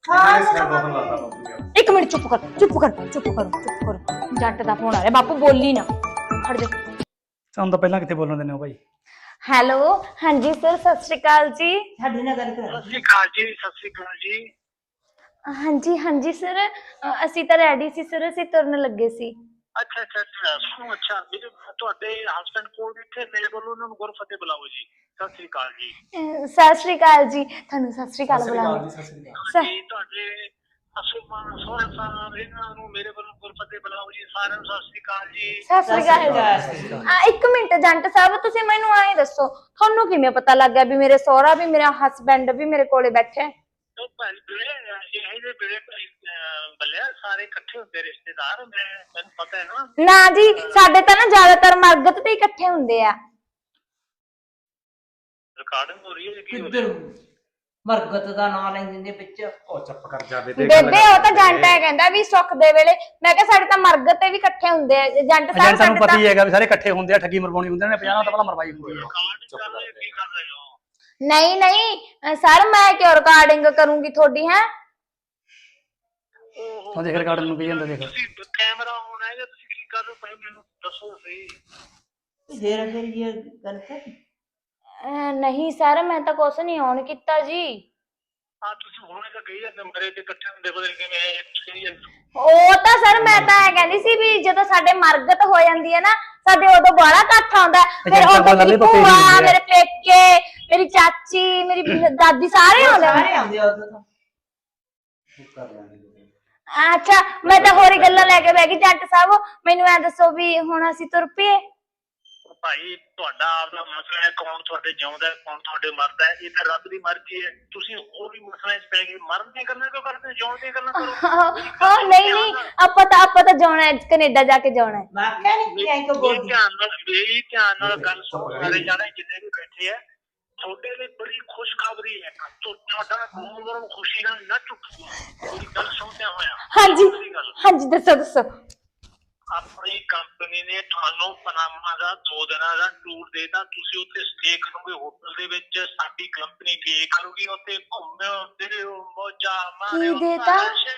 ਇੱਕ ਮਿੰਟ ਚੁੱਪ ਕਰ, ਚੁੱਪ ਕਰ, ਚੁੱਪ ਕਰ, ਚੁੱਪ ਕਰ। ਜੱਟ ਦਾ ਫੋਨ ਆ ਰਿਹਾ, ਬਾਪੂ ਬੋਲੀ ਨਾ, ਖੜ ਜਾ। ਸਾਨੂੰ ਤਾਂ ਪਹਿਲਾਂ ਕਿੱਥੇ ਬੋਲਣ ਦਿੰਦੇ ਹੋ ਭਾਈ। ਹੈਲੋ, ਹਾਂਜੀ ਸਰ, ਸਤਿ ਸ਼੍ਰੀ ਅਕਾਲ ਜੀ। ਸਾਡੇ ਨਾਲ ਗੱਲ ਕਰਾ। ਸਤਿ ਸ਼੍ਰੀ ਅਕਾਲ ਜੀ, ਸਤਿ ਸ਼੍ਰੀ ਅਕਾਲ ਜੀ। ਹਾਂਜੀ ਹਾਂਜੀ ਸਰ, ਅਸੀਂ ਤਾਂ ਰੈਡੀ ਸੀ ਸਰ, ਅਸੀਂ ਤੁਰਨ ਲੱਗੇ ਸੀ। ਅੱਛਾ ਅੱਛਾ ਅੱਛਾ ਸੁਣੋ, ਅੱਛਾ ਮੇਰੇ ਤੁਹਾਡੇ ਹਸਬੰਡ ਕੋਲ ਇੱਥੇ ਮੇਰੇ ਵੱਲੋਂ ਉਹਨਾਂ ਨੂੰ ਗੁਰਫਤਿਹ ਬੁਲਾਓ ਜੀ। ਸਤਿ ਸ਼੍ਰੀ ਅਕਾਲ ਜੀ। ਅਹ ਸਤਿ ਸ਼੍ਰੀ ਅਕਾਲ ਜੀ, ਤੁਹਾਨੂੰ ਸਤਿ ਸ਼੍ਰੀ ਅਕਾਲ ਬੁਲਾਓ। ਜੀ ਤੁਹਾਡੇ ਅਸੂ ਮਾਨ ਸੋਹਣ ਸਾਹਿਬ ਇਹਨਾਂ ਨੂੰ ਮੇਰੇ ਵੱਲੋਂ ਗੁਰਫਤਿਹ ਬੁਲਾਓ ਜੀ। ਸਾਰਿਆਂ ਨੂੰ ਸਤਿ ਸ਼੍ਰੀ ਅਕਾਲ ਜੀ। ਸਤਿ ਸ਼੍ਰੀ ਅਕਾਲ ਜੀ। ਆ ਇੱਕ ਮਿੰਟ ਜੰਟ ਸਾਹਿਬ, ਤੁਸੀਂ ਮੈਨੂੰ ਐਂ ਦੱਸੋ, ਤੁਹਾਨੂੰ ਕਿਵੇਂ ਪਤਾ ਲੱਗ ਗਿਆ ਵੀ ਮੇਰੇ ਸਹੁਰਾ ਵੀ ਮੇਰਾ ਹਸਬੈਂਡ ਵੀ ਮੇਰੇ ਕੋਲੇ ਬੈਠੇ? ਉਹ ਭਾਈ ਵੀਰੇ ਇਹ ਜਿਹੇ ਵੀਰੇ ਬੱਲਿਆ ਸਾਰੇ ਇਕੱਠੇ ਹੁੰਦੇ ਰਿਸ਼ਤੇਦਾਰ, ਮੈਂ ਮੈਨੂੰ ਪਤਾ ਹੈ ਨਾ। ਨਾ ਜੀ, ਸਾਡੇ ਤਾਂ ਨਾ ਜ਼ਿਆਦਾਤਰ ਮਰਗਤ ਤੇ ਇਕੱਠੇ ਹੁੰਦੇ ਆ। ਰਿਕਾਰਡਿੰਗ ਹੋ ਰਹੀ ਹੈ ਕੀ ਹੋ ਕਿੱਧਰ ਮਰਗਤ ਦਾ ਨਾਂ ਲੈਂਦੇ ਨੇ ਵਿੱਚ। ਉਹ ਚੁੱਪ ਕਰ ਜਾ ਬੇਬੇ, ਉਹ ਤਾਂ ਜੰਟ ਹੈ ਕਹਿੰਦਾ ਵੀ ਸੁੱਖ ਦੇ ਵੇਲੇ। ਮੈਂ ਕਿਹਾ ਸਾਡੇ ਤਾਂ ਮਰਗਤ ਤੇ ਵੀ ਇਕੱਠੇ ਹੁੰਦੇ ਆ ਜੰਟ ਸਾਹਿਬ। ਏਜੰਟ ਸਾਨੂੰ ਪਤਾ ਹੀ ਹੈਗਾ ਵੀ ਸਾਰੇ ਇਕੱਠੇ ਹੁੰਦੇ ਆ, ਠੱਗੀ ਮਰਵਾਉਣੀ ਹੁੰਦੇ ਨੇ, ਪੰਜਾਹ ਤਾਂ ਪਹਿਲਾਂ ਮਰਵਾਈ ਹੁੰਦੀ ਹੈ। ਰਿਕਾਰਡ ਕਰ ਰਹੇ ਕੀ ਕਰ ਰਹੇ ਹੋ? ਨਹੀਂ ਨਹੀਂ ਸਰ, ਮੈਂ ਕਿਉਂ ਰਿਕਾਰਡਿੰਗ ਕਰੂੰਗੀ ਤੁਹਾਡੀ? ਹੈ ਉਹ ਦੇਖ ਰਿਕਾਰਡਿੰਗ ਨੂੰ ਕੀ ਜਾਂਦਾ, ਦੇਖ ਤੁਸੀਂ ਕੈਮਰਾ ਆਨ ਹੈ ਜਾਂ ਤੁਸੀਂ ਕੀ ਕਰ ਰਹੇ ਹੋ ਭਾਈ ਮੈਨੂੰ ਦੱਸੋ ਸਹੀ। ਫੇਰ ਫਿਰ ਇਹ ਗੱਲ ਕਰ। ਅਹ ਨਹੀਂ ਸਰ, ਮੈਂ ਤਾਂ ਕੁਛ ਨਹੀਂ ਔਨ ਕੀਤਾ ਜੀ। ਹਾਂ ਤੁਸੀਂ ਹੁਣੇ ਤਾਂ ਕਹੀ ਜਾਂਦੇ ਮਰੇ ਤੇ ਇਕੱਠੇ ਹੁੰਦੇ ਬਦਲ ਕੇ ਮੈਂ ਕਹੀ ਜਾਂਦੇ। ਉਹ ਤਾਂ ਸਰ ਮੈਂ ਤਾਂ ਇਹ ਕਹਿੰਦੀ ਸੀ ਵੀ ਜਦੋਂ ਸਾਡੇ ਮਰਗਤ ਹੋ ਜਾਂਦੀ ਹੈ ਨਾ, ਸਾਡੇ ਉਦੋਂ ਬਾਹਲਾ ਇਕੱਠ ਆਉਂਦਾ। ਫਿਰ ਉਦੋਂ ਮੇਰੀ ਭੂਆ, ਮੇਰੇ ਪੇਕੇ, ਮੇਰੀ ਚਾਚੀ, ਮੇਰੀ ਦਾਦੀ ਸਾਰੇ ਆਉਂਦੇ। ਸਾਰੇ ਆਉਂਦੇ ਆ ਉਦੋਂ ਤਾਂ। ਅੱਛਾ, ਮੈਂ ਤਾਂ ਹੋਰ ਹੀ ਗੱਲਾਂ ਲੈ ਕੇ ਬਹਿ ਗਈ। ਜੱਟ ਸਾਹਿਬ ਮੈਨੂੰ ਐ ਦੱਸੋ ਵੀ ਹੁਣ ਅਸੀਂ ਤੁਰ ਪਈਏ? ਭਾਈ ਤੁਹਾਡਾ ਆਪਦਾ ਮਸਲਾ ਹੈ, ਕੌਣ ਤੁਹਾਡੇ ਜਿਉਂਦਾ ਹੈ ਕੌਣ ਤੁਹਾਡੇ ਮਰਦਾ ਹੈ, ਇਹ ਤਾਂ ਰੱਬ ਦੀ ਮਰਜ਼ੀ ਹੈ। ਤੁਸੀਂ ਹੋਰ ਵੀ ਮਸਲੇ 'ਚ ਪੈ ਗਏ, ਮਰਨ ਦੀਆਂ ਗੱਲਾਂ ਕਿਉਂ ਕਰਦੇ, ਜਿਉਣ ਦੀਆਂ ਗੱਲਾਂ ਕਰੋ। ਹਾਂ ਨਹੀਂ ਨਹੀਂ, ਆਪਾਂ ਤਾਂ ਆਪਾਂ ਤਾਂ ਜਾਣਾ ਹੈ, ਕੈਨੇਡਾ ਜਾ ਕੇ ਜਾਣਾ ਹੈ। ਮੈਂ ਕਿਹਾ ਨਹੀਂ ਕਿ ਐਂ ਕੋ ਬੋਲਦੀ। ਧਿਆਨ ਨਾਲ ਮੇਰੀ ਧਿਆਨ ਨਾਲ ਗੱਲ ਸੁਣੋ ਸਾਰੇ ਜਾਣੇ ਜਿੰਨੇ ਵੀ ਬੈਠੇ ਆ, ਤੁਹਾਡੇ ਲਈ ਬੜੀ ਖੁਸ਼ਖਬਰੀ ਹੈ। ਤੁਹਾਡਾ ਮੂੰਹ ਨੂੰ ਖੁਸ਼ੀ ਨਾਲ ਨਾ ਝੁਕੋ, ਮੇਰੀ ਗੱਲ ਸੁਣਦਿਆਂ ਹੋਇਆ। ਹਾਂਜੀ ਹਾਂਜੀ, ਦੱਸੋ ਦੱਸੋ। ਆਪਣੀ ਕੰਪਨੀ ਨੇ ਤੁਹਾਨੂੰ ਪਨਾਮਾ ਦਾ ਦੋ ਦਿਨਾਂ ਦਾ ਟੂਰ ਦੇਤਾ, ਤੁਸੀਂ ਉੱਥੇ ਸਟੇ ਕਰੋਗੇ ਹੋਟਲ ਦੇ ਵਿੱਚ, ਸਾਡੀ ਕੰਪਨੀ ਪੇ ਕਰੂਗੀ, ਉੱਥੇ ਘੁੰਮਿਓ ਫਿਰਿਓ ਮੌਜਾਂ ਮਾਰਿਓ। ਕੀ ਦੇਤਾ?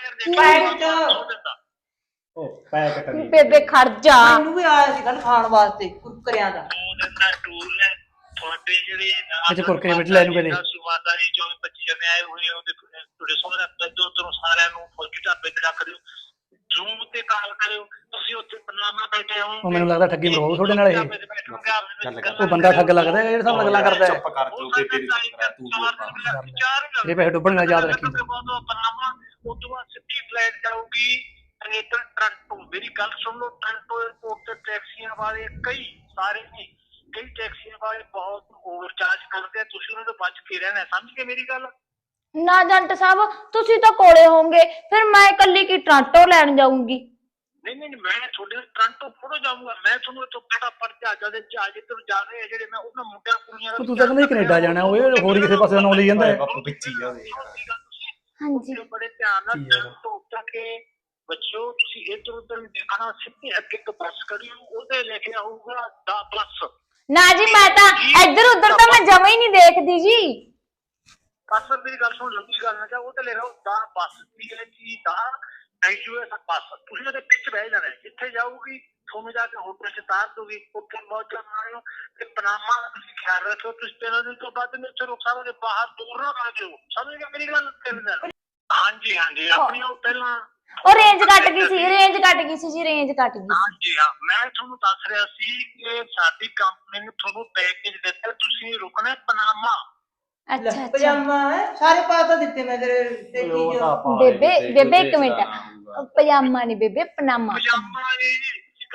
ਬੇਬੇ ਖੜ ਜਾ, ਮੈਨੂੰ ਵੀ ਆਇਆ ਸੀ ਗੱਲ ਖਾਣ ਵਾਸਤੇ ਕੁਰਕਰਿਆਂ ਦਾ। ਦੋ ਦਿਨ ਦਾ ਟੂਰ ਨੇ ਤੁਹਾਡੇ ਜਿਹੜੇ ਅੱਛਾ ਕੁਰਕਰੇ ਵਿੱਚ ਲੈ ਨੂੰ ਕਦੇ ਸੁਵਾਦਾਰੀ ਚੌਵੀ ਪੱਚੀ ਜਣੇ ਆਏ ਹੋਏ ਉਹਦੇ ਤੁਹਾਡੇ ਸੋਹਰੇ ਪੈਦੋ ਤੋਂ ਸਾਰਿਆਂ ਨੂੰ ਫੌਜੀ ਢਾਬੇ ਤੇ ਰੱਖ ਦਿਓ, ਜ਼ੂਮ ਤੇ ਕਾਲ ਕਰਿਓ। ਤੁਸੀਂ ਉੱਥੇ ਪਨਾਮਾ ਬੈਠੇ ਹੋ, ਉਹ ਮੈਨੂੰ ਲੱਗਦਾ ਠੱਗੀ ਮਰਵਾਉ ਤੁਹਾਡੇ ਨਾਲ। ਇਹ ਉਹ ਬੰਦਾ ਠੱਗ ਲੱਗਦਾ ਜਿਹੜੇ ਹਿਸਾਬ ਨਾਲ ਗੱਲਾਂ ਕਰਦਾ ਹੈ। ਚੁੱਪ ਕਰ ਤੂੰ ਬੇਬੇ ਦੀ ਚੁੱਪ ਕਰ ਤੂੰ ਇਹ ਪੈਸੇ ਡੁੱਬਣਗੇ, ਯਾਦ ਰੱਖੀ। ਪਨਾਮਾ ਉਸ ਤੋਂ ਬਾਅਦ ਸਿੱਧੀ ਫਲਾਈਟ ਜਾਊਗੀ ਕੈਨੇਡਾ ਟੋਰਾਂਟੋ। ਮੇਰੀ ਗੱਲ ਸੁਣ ਲਓ, ਟੋਰਾਂਟੋ 에ਅਰਪੋਰਟ ਤੇ ਟੈਕਸੀਆਂ ਵਾਲੇ ਕਈ ਸਾਰੇ ਨਹੀਂ, ਕਈ ਟੈਕਸੀਆਂ ਵਾਲੇ ਬਹੁਤ ਓਵਰਚਾਰਜ ਕਰਦੇ ਆ, ਤੁਸੀਂ ਉਹਨਾਂ ਤੋਂ ਬਚ ਕੇ ਰਹਿਣਾ। ਸਮਝ ਗਏ ਮੇਰੀ ਗੱਲ? ਨਾ ਜੰਟ ਸਾਹਿਬ, ਤੁਸੀਂ ਤਾਂ ਕੋਲੇ ਹੋਵੋਗੇ, ਫਿਰ ਮੈਂ ਇਕੱਲੀ ਕੀ ਟਰਾਂਟੋ ਲੈਣ ਜਾਊਂਗੀ? ਨਹੀਂ ਨਹੀਂ, ਮੈਂ ਤੁਹਾਡੇ ਨਾਲ ਟੋਰਾਂਟੋ ਫੋਟੋ ਜਾਊਂਗਾ। ਮੈਂ ਤੁਹਾਨੂੰ ਇੱਥੋਂ ਫਟਾਫਟ ਜਹਾਜ਼ਾਂ ਦੇ ਜਹਾਜ਼ ਇੱਧਰ ਜਾ ਰਹੇ ਆ ਜਿਹੜੇ, ਮੈਂ ਉਹਨਾਂ ਮੁੰਡਿਆਂ ਕੁੜੀਆਂ ਦਾ। ਤੂੰ ਤਾਂ ਕਹਿੰਦਾ ਕੈਨੇਡਾ ਜਾਣਾ, ਉਹ ਹੋਰ ਕਿਸੇ ਪਾਸੇ ਨਾਂ ਲਈ ਜਾਂਦਾ ਹੈ। ਵਿੱਚ ਹੀ ਆ ਉਹਦੇ ਹਾਂਜੀ ਬੜੇ ਧਿਆਨ ਨਾਲ ਟੋਰਾਂਟੋ ਤੱਕ ਬੱਚਿਓ, ਤੁਸੀਂ ਇੱਧਰ ਉੱਧਰ ਨਹੀਂ ਦੇਖਣਾ, ਸਿੱਧੀ ਅੱਗੇ ਤੋਂ ਬੱਸ ਕਰਿਓ, ਉਹਦੇ ਲੈ ਕੇ ਆਊਗਾ ਦਾ ਬੱਸ। ਨਾ ਜੀ, ਮੈਂ ਤਾਂ ਇੱਧਰ ਉੱਧਰ ਤਾਂ ਮੈਂ ਜਮਾ ਹੀ ਨਹੀਂ ਦੇਖਦੀ ਜੀ। ਬੱਸ ਮੇਰੀ ਗੱਲ ਸੁਣ, ਲੰਬੀ ਗੱਲ ਨਾ ਜਾ, ਉਹ ਤੇ ਲੈ ਲਓ ਦਾ ਬੱਸ ਪੀ ਐਚ ਈ ਦਾ ਐਸ ਬੱਸ। ਤੁਸੀਂ ਉਹਦੇ ਪਿੱਛੇ ਬਹਿ ਜਾਣਾ, ਜਿੱਥੇ ਜਾਊਗੀ ਤੁਹਾਨੂੰ ਜਾ ਕੇ ਹੋਟਲ ਚ ਤਾਰ ਦੂਗੀ, ਉੱਥੇ ਮੌਜਾਂ ਮਾਰਿਓ। ਤੇ ਪਨਾਮਾ ਦਾ ਤੁਸੀਂ ਖਿਆਲ ਰੱਖਿਓ, ਤੁਸੀਂ ਤਿੰਨ ਦਿਨ ਤੋਂ ਬਾਅਦ ਮੇਰੇ ਉੱਥੇ ਰੁਕ ਸਕਦੇ, ਬਾਹਰ ਦੂਰ ਨਾ ਕਰ ਦਿਓ। ਸਮਝ ਗਏ ਮੇਰੀ ਗੱਲ? ਹਾਂਜੀ ਹਾਂਜੀ, ਆਪਣੀ ਉਹ ਪਹਿਲਾਂ ਉਹ ਰੇਂਜ ਕੱਟ ਗਈ ਸੀ, ਰੇਂਜ ਕੱਟ ਗਈ ਸੀ ਜੀ, ਰੇਂਜ ਕੱਟ ਗਈ ਸੀ। ਹਾਂਜੀ ਹਾਂ, ਮੈਂ ਤੁਹਾਨੂੰ ਦੱਸ ਰਿਹਾ ਸੀ ਕਿ ਸਾਡੀ ਕੰਪਨੀ ਨੇ ਤੁਹਾਨੂੰ ਪੈਕੇਜ ਦਿੱਤਾ, ਤੁਸੀਂ ਰੁਕਣਾ ਪਨਾਮਾ। ਅੱਛਾ ਅੱਛਾ, ਪਜਾਮਾ ਹੈ, ਸਾਰੇ ਪਾ ਤਾਂ ਦਿੱਤੇ ਮੈਂ ਤੇਰੇ ਤੇ ਚੀਜ਼। ਬੇਬੇ ਬੇਬੇ ਇੱਕ ਮਿੰਟ, ਪਜਾਮਾ ਨਹੀਂ ਬੇਬੇ, ਪਨਾਮਾ। ਪਜਾਮਾ ਜੀ, ਗੱਲ ਸੁਣ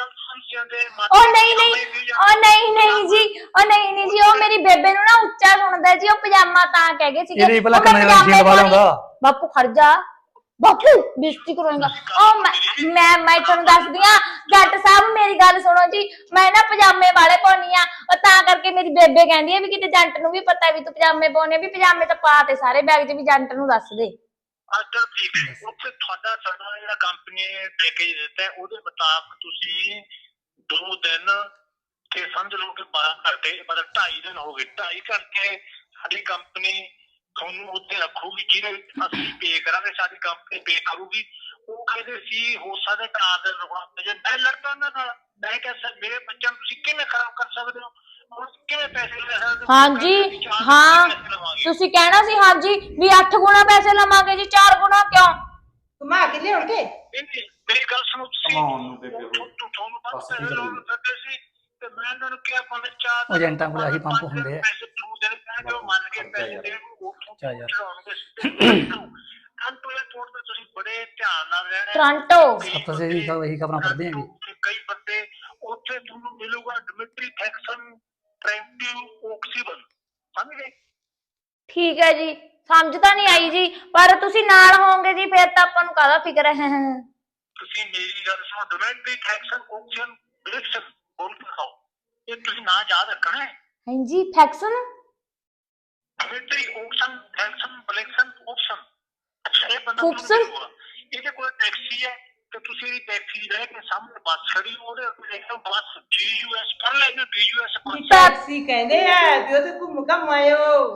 ਬੋਲੀ ਜਾਂਦੇ ਉਹ ਨਹੀਂ ਨਹੀਂ ਉਹ ਨਹੀਂ ਨਹੀਂ ਜੀ ਉਹ ਨਹੀਂ ਨਹੀਂ ਜੀ ਉਹ ਮੇਰੀ ਬੇਬੇ ਨੂੰ ਨਾ ਉੱਚਾ ਸੁਣਦਾ ਜੀ ਉਹ ਪਜਾਮਾ ਤਾਂ ਕਹਿ ਗਏ ਸੀਗੇ ਇਹਦੇ ਭਲਾ ਉਹ ਮੈਂ ਕੰਨਾਂ ਨਾਲ ਪਜਾਮੇ ਲਵਾ ਲਾਉਂਦਾ। ਬਾਪੂ ਖੜ ਜਾ ਬਾਪੂ ਬੇਇੱਜ਼ਤੀ ਕਰਵਾਏਗਾ ਉਹ ਮੈਂ ਮੈਂ ਮੈਂ ਤੁਹਾਨੂੰ ਦੱਸਦੀ ਆ ਜੱਟ ਸਾਹਿਬ ਮੇਰੀ ਗੱਲ ਸੁਣੋ ਜੀ ਮੈਂ ਨਾ ਪਜਾਮੇ ਵਾਲੇ ਪਾਉਣੀ ਆ ਉਹ ਤਾਂ ਕਰਕੇ ਮੇਰੀ ਬੇਬੇ ਕਹਿੰਦੀ ਆ ਵੀ ਕਿਤੇ ਜੰਟ ਨੂੰ ਵੀ ਪਤਾ ਵੀ ਤੂੰ ਪਜਾਮੇ ਪਾਉਣੇ ਵੀ ਪਜਾਮੇ ਤਾਂ ਪਾ ਤੇ ਸਾਰੇ ਬੈਗ 'ਚ ਵੀ ਜੰਟ ਨੂੰ ਦੱਸ ਦੇ ਅੱਛਾ ਠੀਕ ਹੈ ਉੱਥੇ ਤੁਹਾਡਾ ਸਾਡਾ ਜਿਹੜਾ ਕੰਪਨੀ ਨੇ ਪੈਕੇਜ ਦਿੱਤਾ ਹੈ ਉਹਦੇ ਮੁਤਾਬਕ ਤੁਸੀਂ ਦੋ ਦਿਨ ਤੇ ਸਮਝ ਲਓ ਕਿ ਬਾਰਾਂ ਘੰਟੇ ਮਤਲਬ ਢਾਈ ਦਿਨ ਹੋ ਗਏ ਢਾਈ ਘੰਟੇ ਸਾਡੀ ਕੰਪਨੀ ਤੁਹਾਨੂੰ ਉੱਥੇ ਰੱਖੂਗੀ ਜਿਹਦੇ ਵਿੱਚ ਅਸੀਂ ਪੇ ਕਰਾਂਗੇ ਸਾਡੀ ਕੰਪਨੀ ਪੇ ਕਰੂਗੀ ਉਹ ਕਹਿੰਦੇ ਸੀ ਹੋ ਸਕਦਾ ਚਾਰ ਦਿਨ ਰੁਕਣਾ ਜੇ ਮੈਂ ਲੜਦਾ ਉਹਨਾਂ ਨਾਲ ਮੈਂ ਕਿਹਾ ਸਰ ਮੇਰੇ ਬੱਚਿਆਂ ਨੂੰ ਤੁਸੀਂ ਕਿਵੇਂ ਖਰਾਬ ਕਰ ਸਕਦੇ ਹੋ ਹੁਣ ਕਿਵੇਂ ਪੈਸੇ ਲੈ ਸਕਦੇ ਹੋ ਹਾਂਜੀ ਹਾਂ ਤੁਸੀਂ ਕਹਿਣਾ ਸੀ ਹਾਂਜੀ ਵੀ ਅੱਠ ਗੁਣਾ ਪੈਸੇ ਲਵਾਂਗੇ ਜੀ ਚਾਰ ਗੁਣਾ ਕਿਉਂ ਘੁਮਾ ਕੇ ਲਿਆਉਣਗੇ ਮੇਰੀ ਗੱਲ ਸੁਣੋ ਤੁਸੀਂ ਤੁਹਾਨੂੰ ਪਤਾ ਪੈਸੇ ਲਾਉਣ ਫਿਰਦੇ ਸੀ ਤੇ ਮੈਂ ਇਹਨਾਂ ਨੂੰ ਕਿਹਾ ਪੰਜ ਚਾਰ ਉਹ ਏਜੰਟਾਂ ਕੋਲ ਆਹੀ ਪੰਪ ਹੁੰਦੇ ਆ। ਪੈਸੇ ਦੋ ਦਿਨ ਕਹਿਣਗੇ ਉਹ ਮੰਨ ਕੇ ਪੈਸੇ ਦੇਣ ਚਾ ਯਾਰ ਕੰਟਰੋਲ ਤੋੜ ਤੇ ਤੁਸੀਂ ਬੜੇ ਧਿਆਨ ਨਾਲ ਰਹਿਣਾ ਟੋਰਾਂਟੋ ਸਭ ਤੋਂ ਇਹੀ ਇਹੀ ਖਬਰਾਂ ਪੜ੍ਹਦੇ ਆਂਗੇ ਕਈ ਬੰਦੇ ਉੱਥੇ ਤੁਹਾਨੂੰ ਮਿਲੂਗਾ ਡਿਮਿਟਰੀ ਥੈਕਸਨ ਟ੍ਰੈਂਟਿਵ ਓਕਸੀਬਨ ਸਮਝ ਗਏ ਠੀਕ ਹੈ ਜੀ ਸਮਝ ਤਾਂ ਨਹੀਂ ਆਈ ਜੀ ਪਰ ਤੁਸੀਂ ਨਾਲ ਹੋਵੋਗੇ ਜੀ ਫਿਰ ਤਾਂ ਆਪਾਂ ਨੂੰ ਕਾਹਦਾ ਫਿਕਰ ਹੈ ਤੁਸੀਂ ਮੇਰੀ ਗੱਲ ਸੁਣੋ ਡਿਮਿਟਰੀ ਥੈਕਸਨ ਓਕਸੀਬਨ ਬ੍ਰਿਕਸਨ ਬੋਲ ਕੇ ਖਾਓ ਇਹ ਤੁਸੀਂ ਨਾਂ ਯਾਦ ਰੱਖਣਾ ਹੈ ਹਾਂਜੀ ਫੈਕਸਨ ਡਿਮਿਟਰੀ ਓਕਸਨ ਥੈਕਸਨ ਬਲੈਕਸਨ ਓਕਸਨ ਅੱਛਾ ਇਹ ਬੰਦਾ ਓਕਸਨ? ਇਹਦੇ ਕੋਲ ਟੈਕਸੀ ਹੈ ਤੇ ਤੁਸੀਂ ਇਹਦੀ ਟੈਕਸੀ ਲੈ ਕੇ ਸਾਹਮਣੇ ਬੱਸ ਖੜੀ ਉਹਦੇ ਉੱਤੇ ਦੇਖੋ ਬੱਸ ਜੀ ਯੂ ਐਸ ਕਰ ਲੈ ਜੋ ਜੀ ਯੂ ਐਸ ਟੈਕਸੀ ਕਹਿੰਦੇ ਆ ਵੀ ਉਹ ਤੇ ਘੁੰਮ ਘਮ ਆਇਓ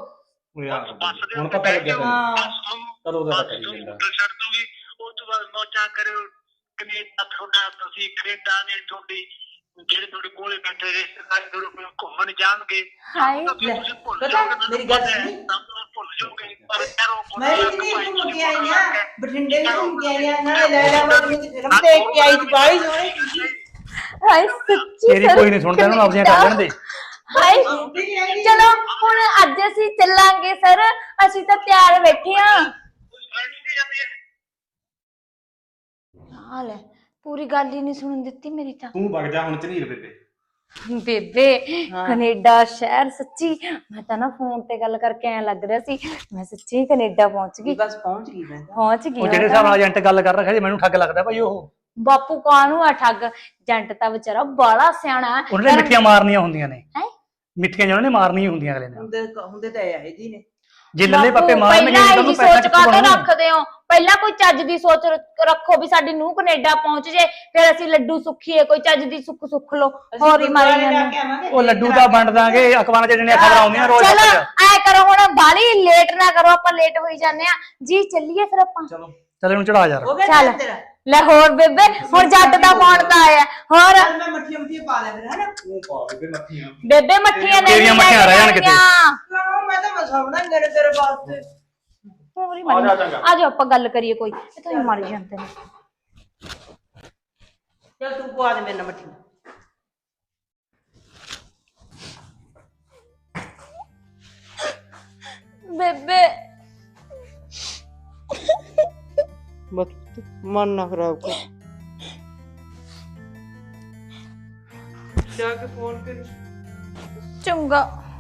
ਬੱਸ ਦੇ ਹੁਣ ਪਤਾ ਲੱਗਿਆ ਹਾਂ। ਚਲੋ ਉਹਦਾ ਪਤਾ ਹੀ ਜਾਂਦਾ ਛੱਡ ਦੂਗੀ ਉਸ ਤੋਂ ਬਾਅਦ ਮੌਜਾਂ ਕਰਿਓ ਕੈਨੇਡਾ ਤੁਹਾਡਾ ਤੁਸੀਂ ਕੈਨੇਡਾ ਨੇ ਤੁਹਾਡੀ ਜਿਹੜੇ ਤੁਹਾਡੇ ਕੋਲੇ ਬੈਠੇ ਰਿਸ਼ਤੇਦਾਰ ਤੁਹਾਡੇ ਕੋਲ ਘੁੰਮਣ ਜਾਣਗੇ ਹਾਏ ਤੁਸੀਂ ਭੁੱਲ ਪਤਾ ਜਾਓਗੇ ਮੇਰੀ ਗੱਲ ਸੁਣੀ ਭੁੱਲ ਜਾਓਗੇ ਪਰ ਯਾਰੋ ਮੈਂ ਵੀ ਨਹੀਂ ਘੁੰਮ ਕੇ ਆਈ ਆ ਬਠਿੰਡੇ ਵੀ ਘੁੰਮ ਕੇ ਆਈ ਆ ਨਾਲੇ ਲੈਲਾ ਵਾਲੀ ਦੀ ਫਿਲਮ ਦੇਖ ਕੇ ਆਈ ਸੀ ਬਾਈ ਸੋਹਣੀ ਸੀ ਹਾਏ ਸੱਚੀ ਤੇਰੀ ਕੋਈ ਨਹੀਂ ਸੁਣਦਾ ਉਹਨੂੰ ਆਪਣੀਆਂ ਕਰ ਲੈਣ ਦੇ ਹਾਏ ਚਲੋ ਹੁਣ ਅੱਜ ਅਸੀਂ ਚੱਲਾਂਗੇ ਸਰ ਅਸੀਂ ਤਾਂ ਤਿਆਰ ਬੈਠੇ ਆ ਹਾਲ ਹੈ ਪੂਰੀ ਗੱਲ ਹੀ ਨਹੀਂ ਸੁਣਨ ਦਿੱਤੀ ਮੇਰੀ ਤਾਂ ਤੂੰ ਵਗ ਜਾ ਹੁਣ ਝਨੀਰ ਬੇਬੇ ਬੇਬੇ ਕੈਨੇਡਾ ਸ਼ਹਿਰ ਸੱਚੀ ਮੈਂ ਤਾਂ ਨਾ ਫੋਨ ਤੇ ਗੱਲ ਕਰਕੇ ਐ ਲੱਗ ਰਿਹਾ ਸੀ ਮੈਂ ਸੱਚੀ ਕੈਨੇਡਾ ਪਹੁੰਚ ਗਈ ਬਸ ਪਹੁੰਚ ਗਈ ਮੈਂ ਤਾਂ ਪਹੁੰਚ ਗਈ ਉਹ ਜਿਹੜੇ ਹਿਸਾਬ ਨਾਲ ਏਜੰਟ ਗੱਲ ਕਰ ਰਿਹਾ ਜੀ ਮੈਨੂੰ ਠੱਗ ਲੱਗਦਾ ਭਾਈ ਉਹ ਬਾਪੂ ਕਾਹਨੂੰ ਆ ਠੱਗ ਜੰਟ ਤਾਂ ਵਿਚਾਰਾ ਬਾਲਾ ਸਿਆਣਾ ਉਹਨਾਂ ਨੇ ਮਿੱਠੀਆਂ ਮਾਰਨੀਆਂ ਹੁੰਦੀਆਂ ਨੇ ਹੈਂ? ਮਿੱਠੀਆਂ ਜਿਹਨਾਂ ਨੇ ਮਾਰਨੀਆਂ ਹੁੰਦੀਆਂ ਅਗਲੇ ਨੇ ਹੁੰਦੇ ਹੁੰਦੇ ਤਾਂ ਇਹ ਜੀ ਨੇ ਜੇ ਲੱਲੇ ਬਾਪੂ, ਪੱਪੇ ਮਾਰਨਗੇ ਪਹਿਲਾਂ ਤਾਂ ਇਹੀ ਉਹਨੂੰ ਪੈਸਾ ਸੋਚ ਕਿੱਥੋਂ ਕਾਹਤੋਂ ਬਣੂ ਰੱਖਦੇ ਹੋ ਪਹਿਲਾਂ ਕੋਈ ਚੱਜ ਦੀ ਸੋਚ ਰ- ਰੱਖੋ ਵੀ ਸਾਡੀ ਨੂੰਹ ਕੈਨੇਡਾ ਪਹੁੰਚ ਜੇ ਫਿਰ ਅਸੀਂ ਲੱਡੂ ਸੁੱਖੀਏ ਕੋਈ ਚੱਜ ਦੀ ਸੁੱਖ ਸੁੱਖ ਲੋ ਹੋਰ ਹੀ ਮਾਰੀ ਜਾਂਦੇ ਉਹ ਲੱਡੂ ਤਾਂ ਵੰਡ ਦਾਂਗੇ ਅਖਬਾਰਾਂ 'ਚ ਜਿਹੜੀਆਂ ਖਬਰਾਂ ਆਉਂਦੀਆਂ ਰੋਜ਼ ਚਲੋ ਤੱਕ ਐ ਕਰੋ ਹੁਣ ਬਾਲੀ ਲੇਟ ਨਾ ਕਰੋ ਆਪਾਂ ਲੇਟ ਹੋਈ ਜਾਂਦੇ ਆ ਜੀ ਚੱਲੀਏ ਫਿਰ ਆਪਾਂ ਚਲੋ ਚੱਲ ਇਹਨੂੰ ਚੜਾ ਯਾਰ ਉਹ ਵੀ ਚੱਲ। ਤੇਰਾ ਲੈ ਹੋਰ ਬੇਬੇ ਹੁਣ ਜੱਟ ਦਾ ਫੋਨ ਤਾਂ ਆਇਆ ਹੋਰ ਚੱਲ ਮੈਂ ਮੱਠੀ ਮੱਠੀ ਪਾ ਲੈ ਫਿਰ ਹਨਾ ਤੂੰ ਪਾ ਬੇਬੇ ਮੱਥੀਆਂ ਬੇਬੇ ਮੱਠੀਆਂ ਨਹੀਂ ਤੇਰੀਆਂ ਮੱਠੀਆਂ ਰਹਿ ਜਾਣ ਕਿਤੇ। ਕਿਉਂ ਮੈਂ ਤਾਂ ਮਸਾਉਣਾ ਗੜ ਤੇਰੇ ਵਾਸਤੇ ਆ ਜਾ ਚੰਗਾ। ਆ ਜਾਓ ਆਪਾਂ ਗੱਲ ਕਰੀਏ ਕੋਈ ਇਹ ਤਾਂ ਹੀ ਮਰ ਜਾਂਦੇ ਨੇ ਚੱਲ ਤੂੰ ਪਵਾ ਦੇ ਮੇਰੇ ਨਾਲ ਮੱਠੀ ਬੇਬੇ ਬਸ ਮਨ ਨਾ ਖਰਾਬ ਕਰ ਜਾ ਕੇ ਫੋਨ ਕਰ ਚੰਗਾ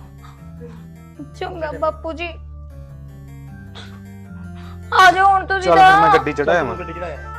ਚੰਗਾ ਬਾਪੂ ਜੀ ਆ ਜਾਓ ਹੁਣ ਤੁਸੀਂ ਚੱਲ ਫਿਰ ਮੈਂ ਤਾਂ ਗੱਡੀ ਚੜਾਇਆ ਮੈਂ ਗੱਡੀ ਚੜਾਇਆ